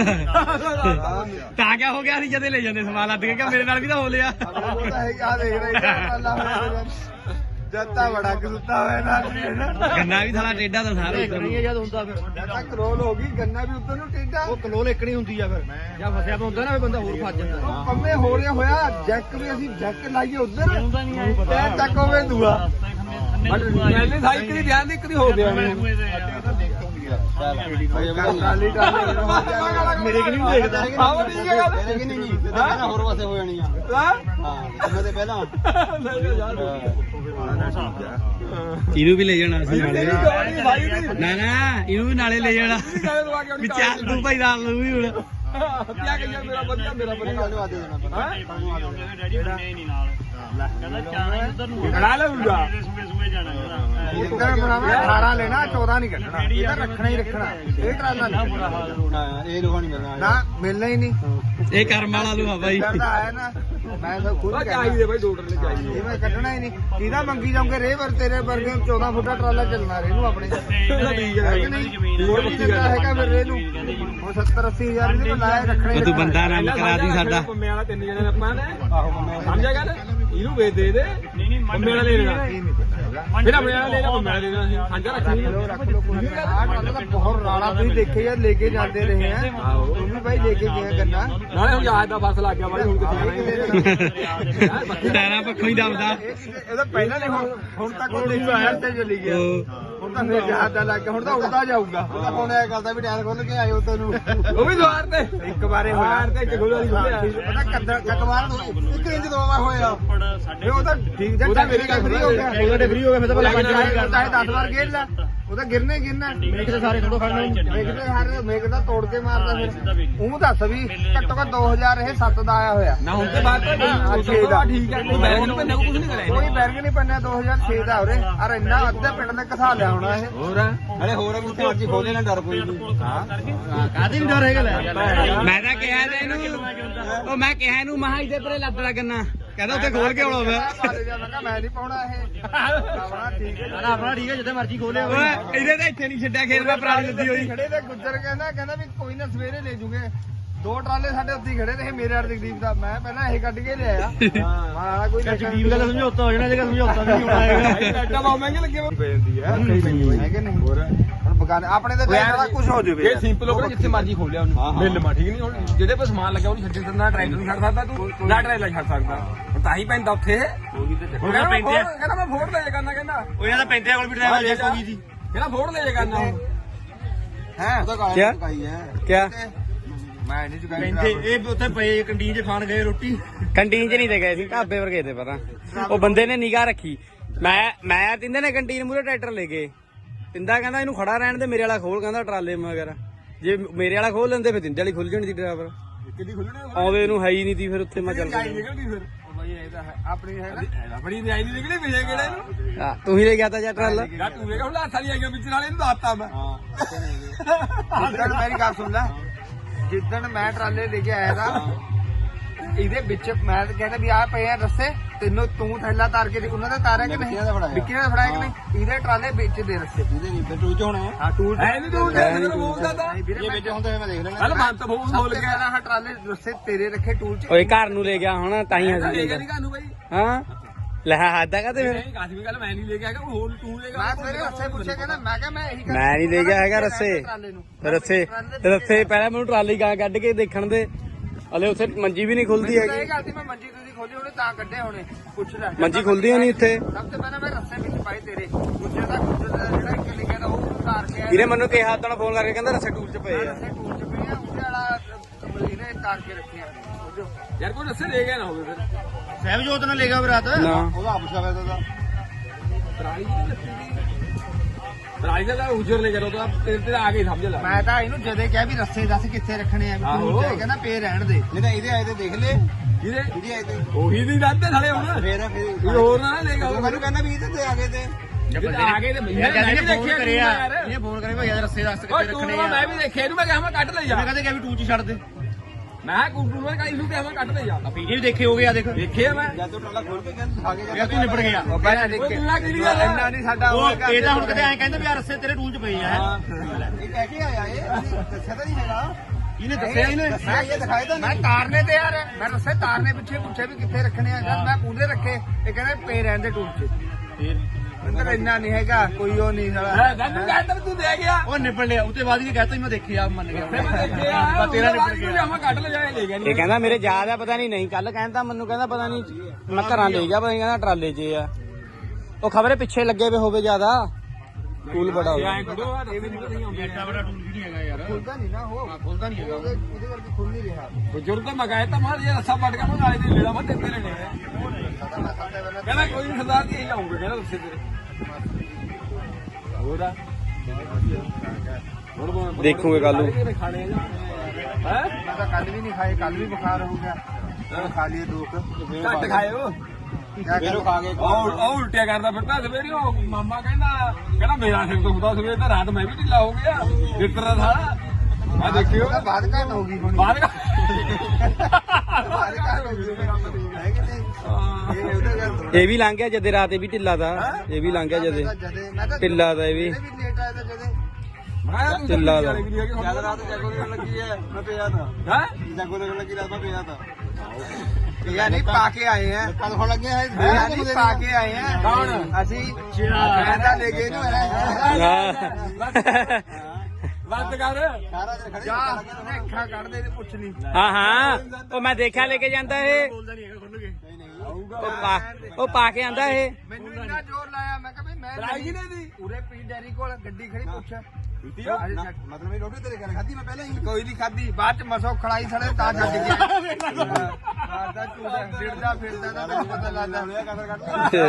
A: ਤਾਂ ਕਿਆ ਹੋ ਗਿਆ ਸੀ ਜਦੇ ਲੈ ਜਾਂਦੇ ਸਮਾਨ ਲੱਦ ਕੇ ਕਿ ਮੇਰੇ ਨਾਲ ਵੀ ਤਾਂ ਹੋ ਲਿਆ
E: ਉਹ ਤਾਂ ਹੈ ਆ ਦੇਖ ਰਿਹਾ ਅੱਲਾ ਹੋਇਆ ਜੱਤਾ ਬੜਾ ਕਸੂਤਾ ਹੋਇਆ ਨਾ
A: ਗੰਨਾ ਵੀ ਥਾਲਾ ਟੇਡਾ ਤਾਂ ਸਾਰਾ ਉੱਤਰ ਨੂੰ
E: ਜਦ ਹੁੰਦਾ ਫਿਰ ਜੱਤਾ ਕਰੋਲ ਹੋ ਗਈ ਗੰਨਾ ਵੀ ਉੱਤਰ ਨੂੰ ਟੇਡਾ ਉਹ
A: ਕਲੋਲ ਏਕਣੀ ਹੁੰਦੀ ਆ ਫਿਰ ਜਾਂ ਫਸਿਆ ਪਿਆ ਹੁੰਦਾ ਨਾ ਫਿਰ ਬੰਦਾ ਹੋਰ ਫਸ ਜਾਂਦਾ
E: ਪੰਮੇ ਹੋ ਰਿਹਾ ਹੋਇਆ ਜੈਕ ਵੀ ਅਸੀਂ ਜੈਕ ਲਾਈਏ ਉਧਰ
A: ਹੁੰਦਾ ਨਹੀਂ ਆਏ
E: ਤੇ ਚੱਕ ਹੋਵੇ ਦੂਆ
D: ਪਹਿਲੇ ਸਾਈਕਲ ਦੀ ਧਿਆਨ ਦੀ ਕਦੀ ਹੋ ਗਿਆ
E: ਟਰਾਲੀ ਟਰਾਲੀ
A: ਮੇਰੇ ਕਿ ਨਹੀਂ ਦੇਖਦਾ
D: ਆਹ ਠੀਕ ਹੈ ਗੱਲ
E: ਮੇਰੇ ਕਿ ਨਹੀਂ ਨਹੀਂ ਤੇ ਹੋਰ ਪਾਸੇ ਹੋ ਜਾਣੀ ਆ
D: ਹਾਂ
E: ਹਾਂ ਮੈਂ ਤੇ ਪਹਿਲਾਂ
A: ਇਹਨੂੰ ਵੀ ਲੈ ਜਾਣਾ ਸੀ
D: ਤੇਰੀ ਗਾੜੀ ਭਾਈ ਦੀ
A: ਨਾ ਨਾ ਇਹਨੂੰ ਵੀ ਨਾਲੇ ਲੈ ਜਾਣਾ ਵੀ ਚਾਰ ਤੂੰ ਭਾਈ ਨਾਲ ਨੂੰ ਵੀ ਹੁਣ
D: ਕਿਆ ਕਹੀਏ ਮੇਰਾ ਵਧੀਆ ਮੇਰਾ ਵਧੀਆ
E: ਲਵਾ ਦੇ ਦੇਣਾ
D: ਹਾਂ
A: ਡੈਡੀ ਬੰਨੇ ਨਹੀਂ ਨਾਲ ਕਹਿੰਦਾ ਚਾਣਾ ਉਧਰ ਨੂੰ
D: ਕੜਾ ਲਊਗਾ
A: ਸੂਏ ਸੂਏ ਜਾਣਾ ਕਹਿੰਦਾ
E: ਇੱਧਰ ਬਣਾਵਾ ਅਠਾਰਾਂ ਲੈਣਾ ਚੌਦਾਂ ਨਹੀਂ ਕੱਢਣਾ ਇਹਦਾ ਰੱਖਣਾ ਹੀ ਰੱਖਣਾ ਇਹ ਟਰਾਲਾ ਨਹੀਂ
A: ਬੁਰਾ ਹਾਲ ਹੋਣਾ
E: ਇਹ ਲੋਹਾ ਨਹੀਂ ਮਿਲਣਾ ਨਾ ਮਿਲਣਾ ਹੀ ਨਹੀਂ
A: ਇਹ ਕਰਮ ਵਾਲਾ ਲੂ ਆ ਬਾਈ
E: ਕਰਦਾ ਆਇਆ ਨਾ ਮੈਂ ਤਾਂ ਖੁਦ
D: ਉਹ
E: ਕਹਿੰਦਾ
D: ਚਾਹੀਦੇ ਬਾਈ ਦੋ ਟਰਲੇ ਚਾਹੀਦੇ
E: ਇਹ ਮੈਂ ਕੱਢਣਾ ਹੀ ਨਹੀਂ ਕਿਹਦਾ ਮੰਗੀ ਜਾਉਂਗੇ ਰੇ ਵਰ ਤੇਰੇ ਵਰਗੇ ਚੌਦਾਂ ਫੁੱਟਾ ਟਰਾਲਾ ਚੱਲਣਾ ਰੇ ਨੂੰ ਆਪਣੇ ਹੈ ਕਿ ਨਹੀਂ ਹੋਰ ਵੀ ਜਗ੍ਹਾ ਹੈਗਾ ਫਿਰ ਰੇ ਨੂੰ ਹੁਣ ਸੱਤਰ ਅੱਸੀ ਹਜ਼ਾਰ ਇਹਦੇ ਕੋਲ ਲਾਇਆ ਰੱਖਣਾ ਹੀ
A: ਤੂੰ
E: ਰੱਖਣਾ।
A: ਬੰਦਾ ਨਾਮ ਕਰਾ ਦੀ ਸਾਡਾ
D: ਪੰਮੇ ਵਾਲਾ ਤਿੰਨ ਜਣੇ ਆਪਾਂ ਨੇ ਸਮਝਿਆ ਗੱਲ ਇਹਨੂੰ ਵੇ ਦੇ ਦੇ
A: ਨਹੀਂ ਨਹੀਂ
D: ਪੰਮੇ ਵਾਲਾ ਲੈ ਲੈਣਾ
E: ਇਹ ਨਹੀਂ ਪਤਾ ਹੈਗਾ
D: ਫਿਰ ਆਪਣੇ ਵਾਲਾ ਲੈ ਲੈ ਪੰਮੇ ਵਾਲਾ ਲੈ ਲੈਣਾ ਸੀ ਸਾਂਝਾ ਰੱਖਣੀ
E: ਲੋ ਰੱਖ ਲੋ ਕੋਈ ਨਾ ਆਹ ਟਰਾਲਾ ਤਾਂ ਬਹੁਤ ਰਾਣਾ ਤੁਸੀਂ ਦੇਖੇ ਯਾਰ ਲੈ ਕੇ ਜਾਂਦੇ ਰਹੇ ਆ ਤੂੰ ਵੀ ਭਾਈ ਲੈ ਕੇ ਗਿਆ ਕਰਨਾ
D: ਨਾਲੇ ਹੁਣ ਜਹਾਜ਼ ਦਾ ਬੱਸ ਲੱਗ ਗਿਆ ਬਾਈ ਹੁਣ ਕਿੱਥੇ ਜਾਣਾ
A: ਟਾਇਰਾਂ ਪੱਖੋਂ ਹੀ ਦਮਦਾ
E: ਇਹ ਕਿਤੇ- ਇਹਦਾ ਪਹਿਲਾਂ ਨਹੀਂ ਹੁਣ ਹੁਣ ਤੱਕ ਉਹ ਦੇਖੀ ਯਾਰ ਤੇ ਚਲੀ ਗਿਆ ਹੁਣ ਤਾਂ ਫੇਰ ਜਹਾਜ਼ ਦਾ ਲੱਗ ਗਿਆ ਹੁਣ ਤਾਂ ਉੜਦਾ ਜਾਊਗਾ ਹੁਣ ਇਹ ਗੱਲ ਦਾ ਵੀ ਟਾਇਰ ਖੋਲ ਕੇ ਆਇਓ ਤੈਨੂੰ
D: ਉਹ ਵੀ ਦੁਆਰ ਤੇ
E: ਇੱਕ ਵਾਰੇ ਹੋਇਆ
D: ਦੁਆਰ ਤੇ ਇੱਕ ਗੋਲੀ ਵਾਲੀ ਖੁੱਲਿਆ
E: ਪਤਾ ਕੱਦਰ ਕਕਵਾਰ ਇੱਕ ਇੰਚ ਦੋ ਵਾਰ ਹੋਇਆ
A: ਸਾਡੇ
E: ਇਹ ਉਹ ਤਾਂ ਠੀਕ
D: ਉਹਦਾ
E: ਜਾਂ
D: ਮੇਰੀ ਗੱਲ
E: ਫਰੀ ਹੋ ਗਿਆ
D: ਫਰੀ ਹੋ ਗਿਆ ਫਿਰ ਤਾਂ
E: ਚਾਹੇ ਦਸ ਵਾਰ ਗੇੜ ਲੈ ਉਹਦਾ ਗਿਰਨੇ ਗਿਰਨਾ
A: ਮੇਕ ਤੇ ਸਾਰੇ ਥੋੜੋ ਖੜਨਾ
E: ਮੇਕ ਤੇ ਸਾਰੇ ਮੇਕ ਦਾ ਤੋੜ ਕੇ ਮਾਰਦਾ
A: ਸਿੱਧਾ
E: ਫਿਰ
A: ਵੇਖ।
E: ਉਹ ਦੱਸ ਵੀ ਘੱਟੋ ਘੱਟ ਦੋ ਹਜ਼ਾਰ ਇਹ ਸੱਤ ਦਾ ਆਇਆ ਹੋਇਆ
D: ਨਾ ਹੁਣ ਤੇ ਬਾਅਦ ਤਾਂ
E: ਛੇ ਦਾ
D: ਠੀਕ ਹੈ ਕੋਈ ਬੈਗ ਨੂੰ ਪੈਣਾ ਕੁਝ ਨਹੀਂ ਕਰਾਇਆ
E: ਕੋਈ ਬੈਰਗ ਨਹੀਂ ਪੰਨਿਆ ਦੋ ਹਜ਼ਾਰ ਛੇ ਦਾ ਉਰੇ ਅਰ ਇੰਨਾ ਅੱਧੇ ਪਿੰਡ ਨੇ ਘਸਾ ਲਿਆ ਹੋਣਾ ਇਹ
D: ਹੋਰ ਹਲੇ ਹੋਰ ਵੀ ਉੱਥੇ ਮਰਜੀ ਖੋਲੇ ਨਾ ਡਰ ਕੋਈ ਨਹੀਂ
E: ਹਾਂ ਕਾਹਦੀ ਡਰ ਹੈਗਾ ਲੈ
D: ਮੈਂ ਤਾਂ ਕਿਹਾ ਤੇ ਇਹਨੂੰ ਉਹ ਮੈਂ ਕਿਹਾ ਇਹਨੂੰ ਮਹਾ ਇਹਦੇ ਪਰੇ ਲੱਦ ਲੱਗਣਾ ਕਹਿੰਦਾ ਉੱਥੇ ਖੋਲ ਕੇ ਆਉਣਾ ਮੈਂ
E: ਮੈਂ ਕਿਹਾ ਮੈਂ ਨਹੀਂ ਪਾਉਣਾ ਇਹ ਆਪਣਾ ਠੀਕ ਹੈ
A: ਨਾ ਆਪਣਾ ਠੀਕ ਹੈ ਜਿੱਥੇ ਮਰਜ਼ੀ ਖੋਲਿਆ
D: ਓਏ ਇਹਦੇ ਤਾਂ ਇੱਥੇ ਨਹੀਂ ਛੱਡਿਆ ਖੇਤ ਦਾ ਪੁਰਾਣੀ ਲੱਦੀ ਹੋਈ
E: ਖੜੇ ਤੇ ਗੁੱਜਰ ਕਹਿੰਦਾ ਕਹਿੰਦਾ ਵੀ ਕੋਈ ਨਾ ਸਵੇਰੇ ਲੈ ਜੂਗੇ ਦੋ ਟਰਾਲੇ ਸਾਡੇ ਉੱਤੇ ਹੀ ਖੜੇ ਰਹੇ ਮੇਰੇ ਅਰ ਜਗਦੀਪ ਦਾ ਮੈਂ ਪਹਿਲਾਂ ਇਹ ਕੱਢ ਕੇ ਲਿਆਇਆ ਮਾਰਾ ਕੋਈ
A: ਜਗਦੀਪ ਦਾ ਸਮਝੌਤਾ ਹੋ ਜਾਣਾ ਜੇਗਾ ਸਮਝੌਤਾ ਵੀ ਨਹੀਂ ਹੋਣਾ ਹੈਗਾ
D: ਐਡਾ ਬਹੁਤ ਮਹਿੰਗੇ ਲੱਗੇ ਵਾ
E: ਪੈਂਦੀ ਹੈ ਹੈ ਕਿ ਨਹੀਂ ਹੋਰ ਹੁਣ ਬਗਾਨੇ ਆਪਣੇ ਤੇ ਜਿਹੜਾ ਕੁਝ ਹੋ ਜਾਵੇ
D: ਇਹ ਸਿੰਪਲ ਹੋ ਗਿਆ ਜਿੱਥੇ ਮਰਜੀ ਖੋਲਿਆ ਉਹਨੂੰ ਮਿਲ ਮਾ ਠੀਕ ਨਹੀਂ ਹੁਣ ਜਿਹੜੇ ਪੇ ਸਮਾਨ ਲੱਗਿਆ ਉਹਨੂੰ ਛੱਡ ਦਿੰਦਾ ਟਰੈਕਟਰ ਨੂੰ ਛੱਡ ਸਕਦਾ ਤੂੰ ਨਾ ਟਰੈਕਟਰ ਛੱਡ ਸਕਦਾ ਹੁਣ ਤਾਂ ਹੀ ਪੈਂਦਾ ਉੱਥੇ
A: ਹੁਣ ਕਹਿੰਦਾ ਪੈਂਦੇ ਆ
D: ਕਹਿੰਦਾ ਮੈਂ ਫੋੜ ਲੈ ਜਾ ਕਰਨਾ ਕਹਿੰਦਾ
A: ਉਹ ਇਹਨਾਂ ਦਾ ਪੈਂਦੇ ਕੋਲ ਵੀ ਡਰਾਈਵਰ ਜੇ ਕੋਈ ਦੀ
D: ਕਹਿੰਦਾ ਫੋੜ ਲੈ ਜਾ ਕਰਨਾ ਹੁਣ
E: ਹੈ ਉਹਦਾ ਗਾਲਾਂ ਚੁਕਾਈ ਹੈ
D: ਕਿਆ
E: ਮੈਂ ਨਹੀਂ ਚੁਕਾਈ
A: ਪੈਂਦੇ ਇਹ ਉੱਥੇ ਪਏ ਕੰਟੀਨ 'ਚ ਖਾਣ ਗਏ ਰੋਟੀ
G: ਕੰਟੀਨ 'ਚ ਨਹੀਂ ਤੇ ਗਏ ਸੀ ਢਾਬੇ ਪਰ ਗਏ ਤੇ ਪਤਾ ਉਹ ਬੰਦੇ ਨੇ ਨਿਗਾਹ ਰੱਖੀ ਮੈਂ ਮੈਂ ਤਿੰਦੇ ਨੇ ਕੰਟੀਨ ਮੂਰੇ ਟਰੈਕਟਰ ਲੈ ਗਏ ਤਿੰਦਾ ਕਹਿੰਦਾ ਇਹਨੂੰ ਖੜਾ ਰਹਿਣ ਦੇ ਮੇਰੇ ਵਾਲਾ ਖੋਲ ਕਹਿੰਦਾ ਟਰਾਲੇ ਵਗੈਰਾ ਜੇ ਮੇਰੇ ਵਾਲਾ ਖੋਲ ਲੈਂਦੇ ਫਿਰ ਤਿੰਦੇ ਵਾਲੀ ਖੁੱਲ ਜਾਣੀ ਸੀ ਡਰਾਈਵਰ
D: ਕਿੱਡੀ ਖੁੱਲਣੇ
G: ਆਉਂਦੇ ਇਹਨੂੰ ਹੈ ਹੀ ਨਹੀਂ ਸੀ ਫਿਰ ਉੱਥੇ ਮੈਂ ਚੱਲ
D: ਜਾਈ ਨਿਕਲ ਗਈ ਫਿਰ
E: ਬਈ ਇਹਦਾ ਆਪਣੀ ਹੈ ਨਾ
D: ਬੜੀ ਜਾਈ ਨਹੀਂ ਨਿਕਲੀ ਪਿਛੇ ਕਿਹੜੇ ਇਹਨੂੰ
G: ਆ ਤੂੰ ਹੀ ਲੈ ਗਿਆ ਤਾਂ ਜਾਂ ਟਰਾਲਾ
D: ਯਾਰ ਤੂੰ ਵੇਖ ਹੁਣ ਹੱਥ ਵਾਲੀ ਆ ਗਿਆ ਵਿੱਚ ਨਾਲੇ ਇਹਨੂੰ ਦੱਸਤਾ ਮੈਂ
E: ਜਿੱਦਣ ਮੇਰੀ ਗੱਲ ਸੁਣ ਲੈ ਜਿੱਦਣ ਮੈਂ ਟਰਾਲੇ ਲੈ ਕੇ ਆਇਆ ਤਾਂ ਇਹਦੇ ਵਿੱਚ ਮੈਂ ਤਾਂ ਕਹਿੰਦਾ ਵੀ ਆਹ ਪਏ ਆ ਰੱਸੇ ਤੈਨੂੰ ਤੂੰ ਥੈਲਾ ਤਾਰ ਕੇ ਉਹਨਾਂ ਦਾ ਤਾਰਿਆ ਕਿ ਨਹੀਂ ਵਿੱਕੀ ਨੇ ਫੜਾਇਆ ਕਿ ਨਹੀਂ ਇਹਦੇ ਟਰਾਲੇ ਵਿੱਚ ਦੇ ਰੱਸੇ ਇਹਦੇ ਨਹੀਂ ਟੂਚ ਹੋਣਾ ਹਾਂ ਟੂਚ
D: ਐ ਨਹੀਂ ਤੂੰ ਜੇ ਬੋਲਦਾ ਤਾਂ
E: ਇਹ ਵਿੱਚ ਹੁੰਦੇ ਮੈਂ ਦੇਖ ਲੈਣਾ
D: ਕੱਲ ਮਨ ਤਾਂ ਬਹੁਤ ਬੋਲ ਗਿਆ
E: ਪਹਿਲਾਂ ਟਰਾਲੇ ਰੱਸੇ ਤੇਰੇ ਰੱਖੇ ਟੂਚ
G: ਓਏ ਘਰ ਨੂੰ ਲੈ ਗਿਆ ਹੁਣ ਤਾਂ ਹੀ
D: ਲੈ
G: ਹੱਸ
D: ਗਿਆ ਨਹੀਂ ਕਾਨੂੰ ਬਾਈ
G: ਹਾਂ ਲੈ ਹੱਦਾ ਕਾ ਤੇ ਫਿਰ
D: ਨਹੀਂ ਕਾਸੀ ਵੀ ਗੱਲ ਮੈਂ ਨਹੀਂ ਲੈ ਕੇ ਆਇਆ ਹੋਰ ਤੂੰ ਲੈ
E: ਮੈਂ ਤੇਰੇ ਰੱਸੇ ਪੁੱਛੇ ਕਹਿੰਦਾ ਮੈਂ ਕਿਹਾ ਮੈਂ ਇਹੀ
G: ਮੈਂ ਨਹੀਂ ਲੈ ਗਿਆ ਹੈਗਾ ਰੱਸੇ
E: ਟਰਾਲੇ ਨੂੰ
G: ਰੱਸੇ ਰੱਸੇ ਪਹਿਲਾਂ ਮੈਨੂੰ ਟਰਾਲੀ ਗਾਂ ਕੱਢ ਕੇ ਦੇਖਣ ਦੇ ਹਲੇ ਉੱਥੇ ਮੰਜੀ ਵੀ ਨਹੀਂ ਖੁੱਲਦੀ
E: ਇਹ
G: ਹੈਗੀ
E: ਗੱਲ ਸੀ ਮੈਂ ਮੰਜੀ ਤੁਸੀਂ ਖੋਲੀ ਉਹਨੇ ਤਾਂ ਕੱਢੇ ਹੋਣੇ ਪੁੱਛ ਲੈ
G: ਮੰਜੀ ਖੁੱਲਦੀ ਹੋਣੀ ਇੱਥੇ
E: ਸਭ ਤੋਂ ਪਹਿਲਾਂ ਮੈਂ ਰੱਸੇ ਵਿੱਚ ਪਾਏ ਤੇਰੇ ਗੁੱਜਰ ਦਾ ਗੁੱਜਰ ਦਾ ਜਿਹੜਾ ਇੱਕ ਲਿਖਿਆ ਦਾ ਉਹ ਉਤਾਰ ਕੇ ਆਇਆ
G: ਇਹਨੇ ਮੈਨੂੰ ਕਿਹਾ ਤਾਂ ਫੋਨ ਕਰਕੇ ਕਹਿੰਦਾ ਰੱਸੇ ਟੂਲ 'ਚ ਪਏ ਆ
E: ਰੱਸੇ ਟੂਲ ਚ ਪਏ ਆ ਉਹਦੇ ਵਾਲਾ ਇਹਨੇ ਤਾਰ ਕੇ ਰੱਖਿਆ ਸਮਝੋ
D: ਯਾਰ ਕੋਈ ਰੱਸੇ ਲੈ ਗਿਆ ਨਾ ਹੋਵੇ ਫਿਰ
A: ਸਹਿਬਜੋਤ ਨਾਲ ਲੈ ਗਿਆ ਬਰਾਤ
G: ਨਾ
E: ਉਹਦਾ ਆਪਸਾ ਵੇ ਦਾ
D: ਰਾਈ ਦੀ ਲੱਸੀ ਦੀ ਰਾਈ ਦਾ ਉਜਰ ਲੈ ਗਿਆ ਤਾਂ ਤੇਰੇ ਤੇ ਆ ਗਈ ਸਮਝ ਲੈ
E: ਮੈਂ ਤਾਂ ਇਹਨੂੰ ਜਦੇ ਕਿਹਾ ਵੀ ਰੱਸੇ ਦੱਸ ਕਿੱਥੇ ਰੱਖਣੇ ਆ ਵੀ
D: ਆਹੋ।
E: ਤੂੰ ਚਾਹੇ ਕਹਿੰਦਾ ਪੇ ਰਹਿਣ ਦੇ ਨਹੀਂ ਤਾਂ ਇਹਦੇ ਆਏ ਤੇ ਦੇਖ ਲੈ
D: ਜਿਹਦੇ
E: ਇਹਦੇ ਆਏ ਤੇ
D: ਉਹੀ ਦੀ ਦੱਸਦੇ ਸਾਲੇ ਹੁਣ
E: ਫੇਰ
D: ਕੋਈ ਹੋਰ ਨਾ ਲੈ ਗਿਆ
E: ਮੈਨੂੰ ਕਹਿੰਦਾ ਵੀ ਇਹਦੇ ਤੇ ਆ ਗਏ ਤੇ
D: ਜਿਹਦੇ ਆ ਗਏ ਤੇ ਮੈਂ
A: ਇਹਨੇ
D: ਵੀ
A: ਫੋਨ
D: ਦੇਖਿਆ
A: ਕਰਿਆ
D: ਯਾਰ
A: ਇਹਨੇ ਫੋਨ ਕਰਿਆ ਭਈਆ ਰੱਸੇ ਦੱਸ
D: ਓਏ
A: ਕਿੱਥੇ
D: ਤੂੰ
A: ਰੱਖਣੇ ਆ
D: ਮੈਂ ਵੀ ਦੇਖਿਆ ਇਹਨੂੰ ਮੈਂ ਕਿਹਾ ਮੈਂ ਕੱਢ ਲੈ ਜਾ
A: ਉਹਨੇ ਕਹਿੰਦੇ ਕਿ ਵੀ ਟੂਚ ਹੀ ਛੱਡ ਦੇ
D: ਮੈਂ ਕੁੱਟੂ ਨੂੰ ਕਾਈ ਨੂੰ ਕਿਹਾ ਮੈਂ ਕੱਢ ਲੈ ਜਾ
A: ਪੀਜੇ ਵੀ ਦੇਖੇ ਹੋ ਗਏ ਆ ਦੇਖ
D: ਦੇਖਿਆ ਮੈਂ
E: ਜਦ ਤੋਂ ਟਰਾਲਾ ਖੋਲ ਕੇ ਕਹਿੰਦਾ ਆ
A: ਯਾਰ ਤੂੰ ਨਿਪਟ ਗਿਆ
E: ਉਹ ਪਹਿਲਾਂ ਦੇਖ ਕੇ
D: ਤੂੰ ਕਿਹੜੀ ਗੱਲ
E: ਇੰਨਾ ਨਹੀਂ ਸਾਡਾ
A: ਉਹ
E: ਹੋਏਗਾ
A: ਇਹ ਤਾਂ ਹੁਣ ਕਦੇ ਐਂ ਕਹਿੰਦਾ ਵੀ ਆ ਰੱਸੇ ਤੇਰੇ ਟੂਲ 'ਚ ਪਏ ਆ
E: ਇਹ ਕਹਿ ਕੇ ਆਇਆ ਇਹ ਦੱਸਿਆ ਤਾਂ ਨਹੀਂ ਹੈਗਾ
A: ਇਹਨੇ ਦੱਸਿਆ ਇਹਨੇ
E: ਮੈਂ ਇਹ ਦਿਖਾਇਆ ਤਾਂ ਮੈਂ ਤਾਰਨੇ ਤੇ ਯਾਰ ਮੈਂ ਦੱਸੇ ਤਾਰਨੇ ਪਿੱਛੇ ਪੁੱਛੇ ਵੀ ਕਿੱਥੇ ਰੱਖਣੇ ਆ ਜਦ ਮੈਂ ਪੂਰੇ ਰੱਖੇ ਇਹ ਕਹਿੰਦੇ ਪੇ ਰਹਿਣ ਦੇ ਟੂਲ 'ਚ ਅੰਦਰ ਇੰਨਾ ਨਹੀਂ ਹੈਗਾ ਕੋਈ ਉਹ ਨਹੀਂ ਸਾਲਾ
D: ਤੈਨੂੰ ਕਹਿੰਦਾ ਤੂੰ ਦੇ ਗਿਆ
A: ਉਹ ਨਿਪਟ ਲਿਆ ਉਹਦੇ ਬਾਅਦ ਹੀ ਕਹਤਾ ਮੈਂ ਦੇਖਿਆ ਮੰਨ ਗਿਆ
D: ਮੈਂ ਦੇਖਿਆ
A: ਬਸ ਤੇਰਾ ਨਿਪਟ ਗਿਆ
D: ਮੈਂ ਕੱਢ ਲੈ ਜਾ ਲੈ ਗਿਆ
G: ਇਹ ਕਹਿੰਦਾ ਮੇਰੇ ਯਾਦ ਆ ਪਤਾ ਨਹੀਂ ਨਹੀਂ ਕੱਲ ਕਹਿੰਦਾ ਮੈਨੂੰ ਕਹਿੰਦਾ ਪਤਾ ਨਹੀਂ ਮੈਂ ਘਰਾਂ ਲੈ ਗਿਆ ਪਤਾ ਨਹੀਂ ਕਹਿੰਦਾ ਟਰਾਲੇ 'ਚ ਆ ਉਹ ਖਬਰੇ ਪਿੱਛੇ ਲੱਗੇ ਵੇ ਹੋਵੇ ਜ਼ਿਆਦਾ ਟੂਲ ਬੜਾ ਹੋਵੇ
D: ਐ ਖੜੋ ਆ ਇਹ ਵੀ ਨਹੀਂ ਆਉਂਦੇ
A: ਐਡਾ ਵੱਡਾ ਟੂਲ ਵੀ ਨਹੀਂ ਹੈਗਾ ਯਾਰ
E: ਖੁੱਲਦਾ ਨਹੀਂ ਨਾ ਉਹ
A: ਖੁੱਲਦਾ ਨਹੀਂ ਹੈਗਾ
E: ਉਹਦੇ ਉਹਦੇ ਕਰਕੇ ਖੁੱਲ ਨਹੀਂ ਰਿਹਾ
D: ਬਜ਼ੁਰਗ ਤਾਂ ਮਗਾਏ ਤਾਂ ਮਾਰ ਇਹ ਰੱਸਾ ਵੱਟ ਕੇ ਮੈਂ ਨਾਲੇ ਦੇ ਲੈਣਾ ਮੈਂ ਦਿੱਤੇ ਲੈਣੇ
E: ਸਾਡਾ ਮੈਂ ਸਾਡੇ ਵੇਲੇ
D: ਕਹਿੰਦਾ ਕੋਈ ਨਹੀਂ ਸਰਦਾਰ ਜੀ ਇਹ ਆਉਂਗੇ ਕਹਿੰਦਾ ਦੱਸੇ ਤੇਰੇ ਹੋਰ ਆ ਹੁਣ
G: ਦੇਖੂਗੇ ਕੱਲ ਨੂੰ
D: ਖਾਣੇ ਹੈ
E: ਮੈਂ ਤਾਂ ਕੱਲ ਵੀ ਨਹੀਂ ਖਾਏ ਕੱਲ ਵੀ ਬੁਖਾਰ ਹੋ ਗਿਆ ਉਹ ਖਾ ਲਈਏ ਦੋ ਕੁ
D: ਘੱਟ ਖਾਇਓ
E: ਫਿਰ ਖਾ ਕੇ
D: ਉਹ ਉਹ ਉਲਟਿਆ ਕਰਦਾ ਫਿਰਦਾ ਸਵੇਰੇ ਉਹ ਮਾਮਾ ਕਹਿੰਦਾ ਕਹਿੰਦਾ ਮੇਰਾ ਸਿਰ ਦੁਖਦਾ ਸਵੇਰੇ ਤਾਂ ਰਾਤ ਮੈਂ ਵੀ ਢਿੱਲਾ ਹੋ ਗਿਆ ਡਾਕਟਰ ਦਾ ਸਾਲਾ ਆ ਦੇਖਿਓ
E: ਉਹਦਾ ਬਾਅਦ ਘੱਟ ਹੋ ਗਈ ਹੁਣ
D: ਬਾਹਰ
E: ਬਾਅਦ ਘੱਟ ਹੋ ਗਈ ਹੈ ਕਿ ਨਹੀਂ ਇਹ ਉਹਦਾ ਗੱਲ ਥੋੜ੍ਹਾ।
G: ਇਹ ਵੀ ਲੰਘ ਗਿਆ ਜਦੇ ਰਾਤ ਇਹ ਵੀ ਢਿੱਲਾ ਦਾ ਇਹ ਵੀ ਲੰਘ ਗਿਆ ਜਦੇ
E: ਜਦੇ ਮੈਂ ਤਾਂ
G: ਢਿੱਲਾ ਦਾ ਇਹ ਵੀ
E: ਇਹਦੇ ਵੀ ਲੇਟ ਆਇਆ ਤਾਂ ਜਦੇ
D: ਮੈਂ ਤੂੰ
G: ਢਿੱਲਾ ਦਾ
E: ਜਦ ਰਾਤ ਜਾਗੋ ਦੇਣ ਲੱਗੀ ਹੈ ਮੈਂ ਪਿਆ ਤਾਂ
D: ਹਾਂ
E: ਜਾਗੋ ਦੇਣ ਲੱਗੀ ਰਾਤ ਮੈਂ ਪਿਆ ਤਾਂ ਇਹ ਨਹੀਂ ਪਾ ਕੇ ਆਏ ਆ ਕਦ ਹੋਣ ਲੱਗੇ ਹੈ ਨਹੀਂ ਪਾ ਕੇ ਆਏ ਆ
D: ਕੌਣ?
E: ਅਸੀਂ ਕਹਿੰਦਾ ਲੈ ਗਏ ਨੂੰ
G: ਹਾਂ
D: ਬੰਦ ਕਰ
E: ਸਾਰਾ ਦਿਨ ਖੜੇ ਜਾ ਉਹਨੇ ਅੱਖਾਂ ਕੱਢਦੇ ਤੇ ਪੁੱਛ ਨਹੀਂ
G: ਹਾਂ ਹਾਂ ਉਹ ਮੈਂ ਦੇਖਿਆ ਲੈ ਕੇ ਜਾਂਦਾ ਇਹ
A: ਬੋਲਦਾ ਨਹੀਂ ਹੈਗਾ ਖੁੱਲ ਕੇ
G: ਉਹ ਪਾ ਉਹ ਪਾ ਕੇ ਆਂਦਾ ਇਹ
E: ਮੈਨੂੰ ਇੰਨਾ ਜ਼ੋਰ ਲਾਇਆ ਮੈਂ ਕਿਹਾ ਵੀ ਮੈਂ
D: ਰਾਈ ਕਿਨੇ ਦੀ
E: ਪੂਰੇ ਪੀ ਡੈਰੀ ਕੋਲ ਗੱਡੀ ਖੜੀ ਪੁੱਛ
D: ਪੀਤੀ
E: ਮਤਲਬ ਇਹ ਰੋਟੀ ਤੇਰੇ ਘਰ ਖਾਧੀ ਮੈਂ ਪਹਿਲਾਂ ਹੀ ਕੋਈ ਨਹੀਂ ਖਾਧੀ ਬਾਅਦ ਚ ਮਸੋ ਖੜਾਈ ਸੜੇ ਤਾਂ ਛੱਡ ਗਿਆ ਮਾਰਦਾ ਝੂਠਾ ਫਿਰਦਾ ਫਿਰਦਾ ਤਾਂ ਤੈਨੂੰ ਪਤਾ ਲੱਗਦਾ
C: ਲਿਆ ਕਦਰ ਕੱਟ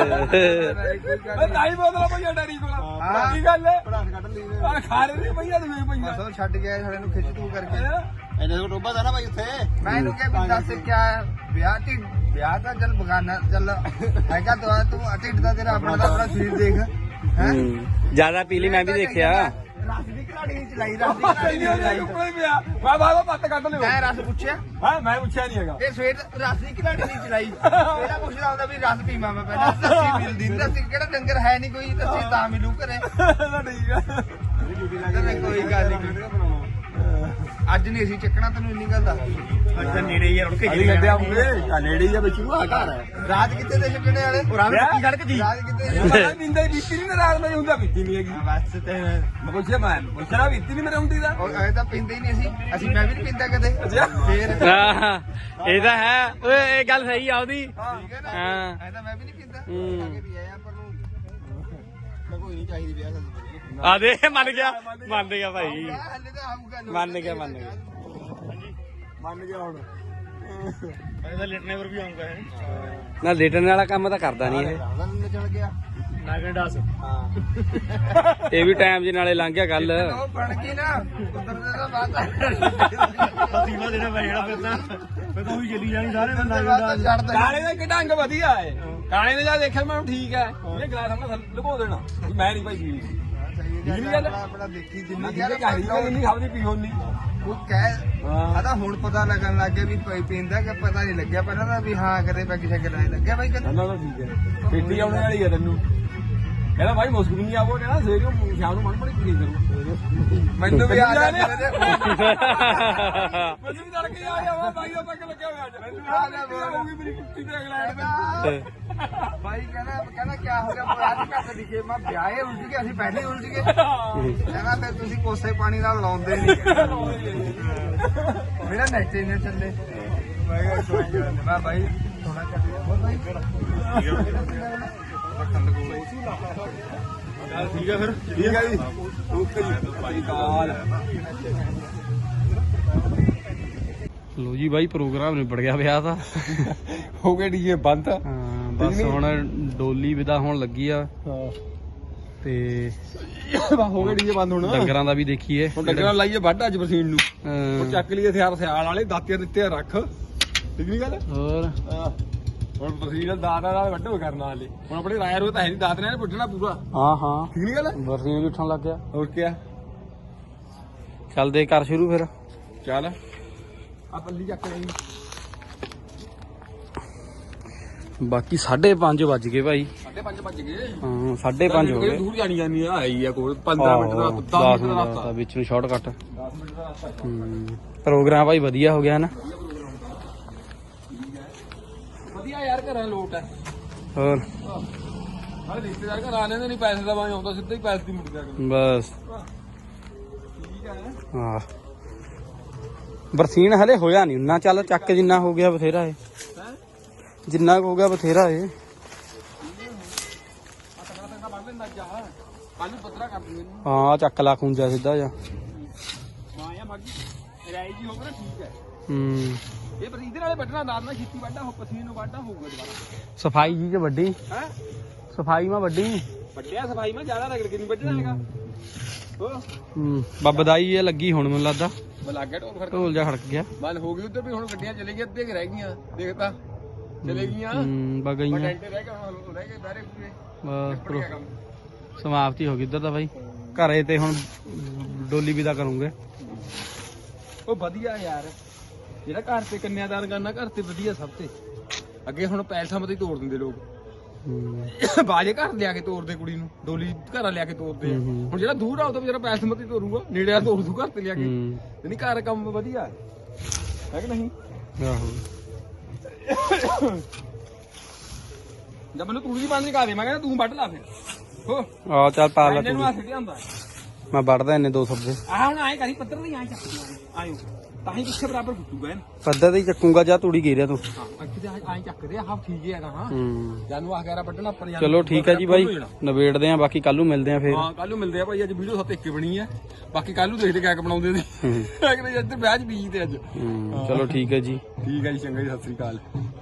E: ਕੋਈ ਗੱਲ
D: ਓਏ ਤਾਈ ਬੋਤਲਾਂ ਪਈਆਂ ਡੈਡੀ ਕੋਲ
E: ਹਾਂ।
D: ਕੀ ਗੱਲ ਹੈ
C: ਪੜਾਸ ਕੱਢ ਲਈ ਨੇ
D: ਆ ਖਾ ਰਹੇ ਨਹੀਂ ਪਈਆਂ ਤੇ ਵੇਖ ਪਈਆਂ
E: ਮਸੋਂ ਛੱਡ ਗਿਆ ਸਾਡੇ ਨੂੰ ਖਿੱਚ ਤੂੰ ਕਰਕੇ
C: ਇਹਨੇ ਕੋ ਟੋਬਾ ਦਾ ਨਾ ਭਾਈ ਉੱਥੇ
E: ਮੈਂ ਇਹਨੂੰ ਕਿਹਾ ਵੀ ਦੱਸ ਕਿਆ ਹੈ? ਵਿਆਹ ਢਿੱਡ ਵਿਆਹ ਤਾਂ ਚੱਲ ਬਗਾਨਾ ਚੱਲ ਹੈਗਾ ਤਾਂ ਤੂੰ ਢਿੱਡ ਦਾ ਤੇਰਾ ਆਪਣਾ ਤਾਂ ਆਪਣਾ ਸਰੀਰ ਦੇਖ ਹੈ
G: ਜਿਆਦਾ ਪੀਲੀ ਮੈਂ ਵੀ ਦੇਖਿਆ
E: ਰਸ ਦੀ ਘਲਾੜੀ ਨਹੀਂ ਚਲਾਈ ਰਸ ਦੀ ਘਲਾੜੀ ਨਹੀਂ ਚਲਾਈ
D: ਕੋਈ ਪਿਆ ਮੈਂ ਬਾਬਾ ਪੱਤ ਕੱਢ ਲਿਓ
E: ਮੈਂ ਰਸ ਪੁੱਛਿਆ
D: ਹਾਂ ਮੈਂ ਪੁੱਛਿਆ ਨਹੀਂ ਹੈਗਾ
E: ਇਹ ਸਵੇਰ ਰਸ ਦੀ ਘਲਾੜੀ ਨਹੀਂ ਚਲਾਈ ਇਹਦਾ ਪੁੱਛਦਾ ਹੁੰਦਾ ਵੀ ਰਸ ਪੀਵਾਂ ਮੈਂ ਪਹਿਲਾਂ ਲੱਸੀ ਮਿਲਦੀ ਨਹੀਂ ਲੱਸੀ ਕਿਹੜਾ ਡੰਗਰ ਹੈ ਨਹੀਂ ਕੋਈ ਲੱਸੀ ਤਾਂ ਮਿਲੂ ਘਰੇ
D: ਤਾਂ ਠੀਕ ਆ
E: ਤੇ ਕੋਈ ਗੱਲ ਨਹੀਂ ਅੱਜ ਨਹੀਂ ਅਸੀਂ ਚੱਕਣਾ ਤੈਨੂੰ ਇੰਨੀ ਗੱਲ ਦੱਸ
A: ਅੱਜ ਤਾਂ ਨੇੜੇ ਹੀ ਆ ਹੁਣ
D: ਅਲੀ ਗੱਡੇ ਆਉਂਗੇ ਆ ਨੇੜੇ ਹੀ ਆ ਵਿੱਚ ਨੂੰ ਆ ਘਰ ਹੈ
E: ਰਾਤ ਕਿੱਥੇ ਦੇ ਛੱਡਣੇ ਵਾਲੇ
D: ਰਾਤ
A: ਸੜਕ ਦੀ
E: ਰਾਤ ਕਿੱਥੇ
D: ਮੈਂ ਨਿੰਦਾ ਹੀ ਬੀਤੀ ਨਹੀਂ ਰਾਤ ਮੈਂ ਹੁੰਦਾ ਬੀਤੀ ਨਹੀਂ ਹੈਗੀ
E: ਬਸ ਤੇ
D: ਮੈਂ ਪੁੱਛਿਆ ਮੈਂ ਪੁੱਛਣਾ ਬੀਤੀ ਨਹੀਂ ਮੇਰੇ ਹੁੰਦੀ ਦਾ
E: ਉਹ ਐ ਤਾਂ ਪੀਂਦੇ ਹੀ ਨਹੀਂ ਅਸੀਂ ਅਸੀਂ ਮੈਂ ਵੀ ਨਹੀਂ ਪੀਂਦਾ ਕਦੇ ਫੇਰ
G: ਆਹ, ਇਹ ਤਾਂ ਹੈ ਓਏ ਇਹ ਗੱਲ ਸਹੀ ਆ ਉਹਦੀ
E: ਠੀਕ ਹੈ ਨਾ
G: ਹਾਂ
E: ਐ ਤਾਂ ਮੈਂ ਵੀ ਨਹੀਂ ਪੀਂਦਾ
G: ਹੂੰ।
E: ਆ ਕੇ ਵੀ ਆਇਆ ਪਰ ਨੂੰ
C: ਮੈਂ ਕੋਈ ਨਹੀਂ ਚਾਹੀਦੀ ਵਿਆਹ ਕਰਨੀ
G: ਆ ਦੇ ਮੰਨ ਗਿਆ ਮੰਨ ਗਿਆ ਭਾਈ
E: ਹੱਲੇ ਤਾਂ ਆਊਗਾ ਲੋਕ।
G: ਮੰਨ ਗਿਆ ਮੰਨ ਗਿਆ
D: ਮੰਨ ਗਿਆ ਹੁਣ
A: ਇਹਦਾ ਲਿਟਨੇ ਪਰ ਵੀ ਆਉਂਗਾ ਹੈ
G: ਨਾ ਲੇਟਣ ਵਾਲਾ ਕੰਮ ਤਾਂ ਕਰਦਾ ਨਹੀਂ ਇਹ
C: ਰਾਵਣ ਨੇ ਚਲ ਗਿਆ
A: ਨਾਗਣ ਡਾਸ
C: ਹਾਂ
G: ਇਹ ਵੀ ਟਾਈਮ ਜੇ ਨਾਲੇ ਲੰਘ ਗਿਆ ਗੱਲ
E: ਉਹ ਬਣ ਕੇ ਨਾ ਉਤਰਦੇ ਦਾ ਬਾਅਦ
A: ਸੀਮਾ ਦੇਣਾ ਪੈ ਜਾਣਾ ਫਿਰ ਤਾਂ ਫਿਰ ਤਾਂ ਉਹੀ ਚੱਲੀ ਜਾਣੀ ਸਾਰੇ ਬੰਦਾ
E: ਬਾਅਦ ਛੱਡ ਦੇ
D: ਕਾਲੇ ਦਾ ਇੱਕ ਢੰਗ ਵਧੀਆ ਹੈ ਕਾਲੇ ਨੇ ਜਾ ਦੇਖਿਆ ਮੈਂ ਠੀਕ ਹੈ ਇਹਨੇ ਗਲਾਸ ਆਪਣਾ ਲੁਕੋ ਦੇਣਾ ਵੀ ਮੈਂ ਨਹੀਂ ਭਾਈ ਪੀਣੀ
E: ਸਹੀ ਗੱਲ ਆ, ਆਪਣਾ ਦੇਖੀ ਜਿੰਨੀ
D: ਜਿੰਨੀ ਕਹਾਣੀ ਨਹੀਂ ਖਾਵਦੀ ਪੀਓ ਨਹੀਂ
E: ਉਹ ਕਹਿ ਆ ਤਾਂ ਹੁਣ ਪਤਾ ਲੱਗਣ ਲੱਗ ਗਿਆ ਵੀ ਕੋਈ ਪੀਂਦਾ ਕਿ ਪਤਾ ਨਹੀਂ ਲੱਗਿਆ ਪਹਿਲਾਂ ਤਾਂ ਵੀ ਹਾਂ ਕਦੇ ਪੈਗ ਸ਼ੈਗ ਲਾਏ ਲੱਗਿਆ ਬਾਈ ਕਦੇ
D: ਨਾ ਨਾ ਠੀਕ ਹੈ ਪੇਟੀ ਆਉਣੇ ਵਾਲੀ ਹੈ ਤੈਨੂੰ ਕਹਿੰਦਾ ਭਾਈ ਮੁਸਕ ਨਹੀਂ ਆਵੋ ਕਹਿੰਦਾ ਸਵੇਰੇ ਨੂੰ ਸ਼ਾਮ ਨੂੰ ਮਨ ਮਣੀ ਪੀ ਕਰੂ
E: ਮੈਨੂੰ ਵੀ ਆ ਜਾਂਦੇ ਨੇ
D: ਮੈਨੂੰ ਵੀ ਤੜ ਕੇ ਆ ਜਾਵਾ ਭਾਈ ਦਾ ਪੱਕ ਲੱਗਿਆ ਹੋਇਆ ਅੱਜ ਮੈਨੂੰ ਆ ਜਾ ਹੋਊਗੀ ਮੇਰੀ ਕੁੱਤੀ ਤੇ ਇੰਗਲੈਂਡ ਦੇ
E: ਭਾਈ ਕਹਿੰਦਾ ਕਹਿੰਦਾ ਕੀ ਹੋ ਗਿਆ ਅੱਜ ਘੱਟ ਦਿਖੇ ਮੈਂ ਵਿਆਹੇ ਉਲਝ ਗਏ ਅਸੀਂ ਪਹਿਲੇ ਹੀ ਉਲਝ ਗਏ ਕਹਿੰਦਾ ਫਿਰ ਤੁਸੀਂ ਕੋਸੇ ਪਾਣੀ ਨਾਲ ਲਾਉਂਦੇ ਨਹੀਂ ਮੇਰਾ ਨੈਟ ਇੰਨੇ ਚੱਲੇ ਮੈਂ ਕਿਹਾ ਕੋਈ ਗੱਲ ਨੀ। ਮੈਂ ਭਾਈ ਥੋੜਾ ਚੱਲਿਆ ਹੋਰ ਭਾਈ
D: ਠੀਕ ਹੈ ਫਿਰ ਠੀਕ ਹੈ ਜੀ ਓਕੇ ਜੀ ਭਾਈ ਕਾਲ
G: ਲੋ ਜੀ ਬਾਈ ਪ੍ਰੋਗਰਾਮ ਨਿਬੜ ਗਿਆ ਵਿਆਹ ਦਾ
D: ਹੋ ਗਏ ਡੀਜੇ ਬੰਦ
G: ਹਾਂ ਬਸ ਹੁਣ ਡੋਲੀ ਵਿਦਾ ਹੋਣ ਲੱਗੀ ਆ
D: ਹਾਂ
G: ਤੇ
D: ਹੋ ਗਏ ਡੀਜੇ ਬੰਦ ਹੁਣ
G: ਡੰਗਰਾਂ ਦਾ ਵੀ ਦੇਖੀਏ
D: ਹੁਣ ਡੰਗਰਾਂ ਲਾਈਏ ਵੱਢ ਅੱਜ ਬਰਸੀਨ ਨੂੰ
G: ਹਾਂ,
D: ਹੁਣ ਚੱਕ ਲਈਏ ਹਥਿਆਰ ਸਿਆਲ ਵਾਲੇ ਦਾਤੇ ਦਿੱਤੇ ਆ ਰੱਖ ਠੀਕ ਨਹੀਂ ਗੱਲ
G: ਹੋਰ
D: ਹਾਂ ਹੁਣ ਬਰਸੀਨ ਦਾਤਾ ਨਾਲ ਵੱਢੋ ਕਰਨ ਵਾਲੇ ਹੁਣ ਆਪਣੇ ਰਾਇਰ ਉਹ ਤਾਂ ਹੈ ਨਹੀਂ ਦਾਤ ਨੇ ਪੁੱਟਣਾ ਪੂਰਾ
G: ਹਾਂ ਹਾਂ
D: ਠੀਕ ਨਹੀਂ ਗੱਲ
G: ਬਰਸੀਨ ਵੀ ਉੱਠਣ ਲੱਗ ਗਿਆ
D: ਹੋਰ ਕੀ
G: ਚੱਲਦੇ ਕਰ ਸ਼ੁਰੂ ਫਿਰ
D: ਚੱਲ ਆ ਪੱਲੀ ਚੱਕ ਲਈ
G: ਬਾਕੀ ਸਾਢੇ ਪੰਜ ਵੱਜ ਗਏ ਭਾਈ
D: ਸਾਢੇ ਪੰਜ ਵੱਜ ਗਏ
G: ਹਾਂ ਸਾਢੇ ਪੰਜ ਹੋ ਗਏ
D: ਦੂਰ ਜਾਣੀ ਜਾਨੀ ਆ ਆਈ ਆ ਕੋਲ ਪੰਦਰਾਂ ਮਿੰਟ ਦਾ ਦਸ ਮਿੰਟ ਦਾ ਰਸਤਾ
G: ਵਿੱਚ ਨੂੰ ਸ਼ਾਰਟਕਟ
D: ਦਸ ਮਿੰਟ ਦਾ ਰਸਤਾ
G: ਹੂੰ ਪ੍ਰੋਗਰਾਮ ਭਾਈ ਵਧੀਆ ਹੋ ਗਿਆ ਨਾ
D: ਵਧੀਆ ਯਾਰ ਘਰਾਂ ਲੋਟ ਹੈ
G: ਹੋਰ
D: ਹਾਂ ਰਿਸ਼ਤੇਦਾਰ ਘਰ ਆ ਲੈਂਦੇ ਨਹੀਂ ਪੈਸੇ ਦਾ ਬਾਈ ਆਉਂਦਾ ਸਿੱਧਾ ਹੀ ਪੈਸੇ ਦੀ ਮੁੜ ਗਿਆ
G: ਬਸ
D: ਠੀਕ ਹੈ
G: ਹਾਂ ਬਰਸੀਨ ਹਲੇ ਹੋਇਆ ਨਹੀਂ ਉਨਾ ਚੱਲ ਚੱਕ ਜਿੰਨਾ ਹੋ ਗਿਆ ਬਥੇਰਾ ਏ ਜਿੰਨਾ ਕੁ ਹੋ ਗਿਆ ਬਥੇਰਾ ਏ
D: ਤਕੜਾ ਤਕੜਾ ਬੰਨ ਲੈਂਦਾ ਜਾ ਕੱਲ ਨੂੰ ਪੱਤਰਾ ਕਰ ਦੂੰਗੇ ਇਹਨੂੰ
G: ਹਾਂ ਚੱਕ ਲਾ ਖੁੰਜਾ ਸਿੱਧਾ ਜਾ
D: ਹਾਂ ਯਾ ਬਾਕੀ ਰਾਈ ਜੀ ਹੋਵੇ ਨਾ ਠੀਕ ਹੈ
G: ਹੂੰ
D: ਇਹ ਪਰ ਇਹਦੇ ਨਾਲੇ ਵੱਢਣਾ ਦਾਦ ਨਾਲ ਛੇਤੀ ਵੱਢਾ ਹੋ ਪਸੀਨੇ ਨੂੰ ਵੱਢਾ ਹੋਊਗਾ ਦੁਬਾਰਾ
G: ਸਫਾਈ ਜੀ ਚ ਵੱਡੀ
D: ਹੈ
G: ਸਫਾਈ ਮਾ ਵੱਡੀ
D: ਵੱਡਿਆ ਸਫਾਈ ਮੈਂ ਜ਼ਿਆਦਾ ਰਗੜ ਕੇ ਨਹੀਂ ਵੱਢਣਾ ਹੈਗਾ ਹੋ
G: ਹੂੰ ਬੱਬਦਾਈ ਇਹ ਲੱਗੀ ਹੁਣ ਮੈਨੂੰ ਲੱਗਦਾ
D: ਮੈਂ ਲੱਗ ਗਿਆ ਢੋਲ ਖੜਕ
G: ਢੋਲ ਜਾ ਖੜਕ ਗਿਆ
D: ਬੰਦ ਹੋ ਗਈ ਉਧਰ ਵੀ ਹੁਣ ਗੱਡੀਆਂ ਚਲੇ ਗਈਆਂ ਅੱਧੇ ਰਹਿ ਗਈਆਂ ਦੇਖਤਾ ਚਲੇ ਗਈਆਂ
G: ਹੂੰ ਬਗਈਆਂ
D: ਟੈਂਟੇ ਰਹਿ ਗਏ ਹੁਣ ਰਹਿ ਗਏ ਬਾਰੇ ਪੂਰੇ
G: ਬਸ
D: ਪੜ ਗਿਆ ਕੰਮ
G: ਸਮਾਪਤੀ ਹੋ ਗਈ ਇੱਧਰ ਤਾਂ ਬਾਈ ਘਰੇ ਤੇ ਹੁਣ ਡੋਲੀ ਵਿਦਾ ਕਰੂੰਗੇ
D: ਉਹ ਵਧੀਆ ਯਾਰ ਜਿਹੜਾ ਘਰ ਤੇ ਕੰਨਿਆਦਾਨ ਕਰਨਾ ਘਰ ਤੇ ਵਧੀਆ ਸਭ ਤੇ ਅੱਗੇ ਹੁਣ ਪੈਸਾ ਮਤੇ ਤੋੜ ਦਿੰਦੇ ਲੋਕ
G: ਹੂੰ
D: ਬਾਜੇ ਘਰ ਲਿਆ ਕੇ ਤੋੜਦੇ ਕੁੜੀ ਨੂੰ ਡੋਲੀ ਘਰਾਂ ਲਿਆ ਕੇ ਤੋੜਦੇ ਆ।
G: ਹੂੰ।
D: ਹੁਣ ਜਿਹੜਾ ਦੂਰ ਆ ਉਹ ਤਾਂ ਵਿਚਾਰਾ ਪੈਸੇ ਮਤੇ ਤੋੜੂਗਾ ਨੇੜੇ ਆ ਤੋੜ ਦੂ ਘਰ ਤੇ ਲਿਆ ਕੇ
G: ਹੂੰ
D: ਨਹੀਂ ਘਰ ਕੰਮ ਵਧੀਆ ਹੈ ਕਿ ਨਹੀਂ
G: ਆਹੋ
D: ਜਦ ਮੈਨੂੰ ਤੂੜੀ ਦੀ ਬੰਦ ਕਰਾ ਦੇ ਮੈਂ ਕਹਿੰਦਾ ਤੂੰ ਵੱਢ ਲਾ ਫਿਰ ਹੋ
G: ਆ ਚੱਲ ਪਾ ਲੈ
D: ਇਹਨੂੰ
G: ਤੂੰ
D: ਆ ਸਿੱਟਿਆ ਹੁੰਦਾ
G: ਮੈਂ ਵੱਢਦਾ ਇਹਨੇ ਦੋ ਸੱਬੇ
D: ਆਹ ਹੁਣ ਆਏ ਕਰੀ ਪੱਤਰ ਨਹੀਂ ਆਏ ਚੱਕ ਆਇਓ ਤਾਂ ਹੀ ਪਿੱਛੇ ਬਰਾਬਰ ਫੁੱਟੂਗਾ ਇਹਨ
G: ਪੱਦਾ ਤੇ ਹੀ ਚੱਕੂਗਾ ਜਾਂ ਤੂੜੀ ਗੇਰਿਆ ਤੂੰ
D: ਹਾਂ ਅੱਗੇ ਤੇ ਆਏ ਚੱਕਦੇ ਆ ਹਾਂ ਠੀਕ ਹੈ ਹਾਂ
G: ਹੂੰ
D: ਜਾਨੂੰ ਆਹ ਗੈਰਾ ਵੱਢਣਾ ਆਪਾਂ ਨੇ
G: ਚਲੋ ਠੀਕ ਹੈ ਜੀ ਬਾਈ ਨਵੇੜਦੇ ਆ ਬਾਕੀ ਕੱਲ ਨੂੰ ਮਿਲਦੇ ਆ ਫੇਰ
D: ਹਾਂ ਕੱਲ ਨੂੰ ਮਿਲਦੇ ਆ ਭਾਈ ਅੱਜ ਵੀਡੀਓ ਸੱਤ ਇੱਕੇ ਬਣੀ ਹੈ ਬਾਕੀ ਕੱਲ ਨੂੰ ਦੇਖਦੇ ਕਿਆ ਬਣਾਉਂਦੇ ਨੇ
G: ਹੂੰ
D: ਅਗਲੇ ਇੱਧਰ ਵਿਆਹ ਚ ਬੀਜਦੇ ਅੱਜ
G: ਹੂੰ, ਚਲੋ ਠੀਕ ਹੈ ਜੀ
D: ਠੀਕ ਹੈ ਜੀ ਚੰਗਾ ਜੀ ਸਤਿ ਸ੍ਰੀ ਅਕਾਲ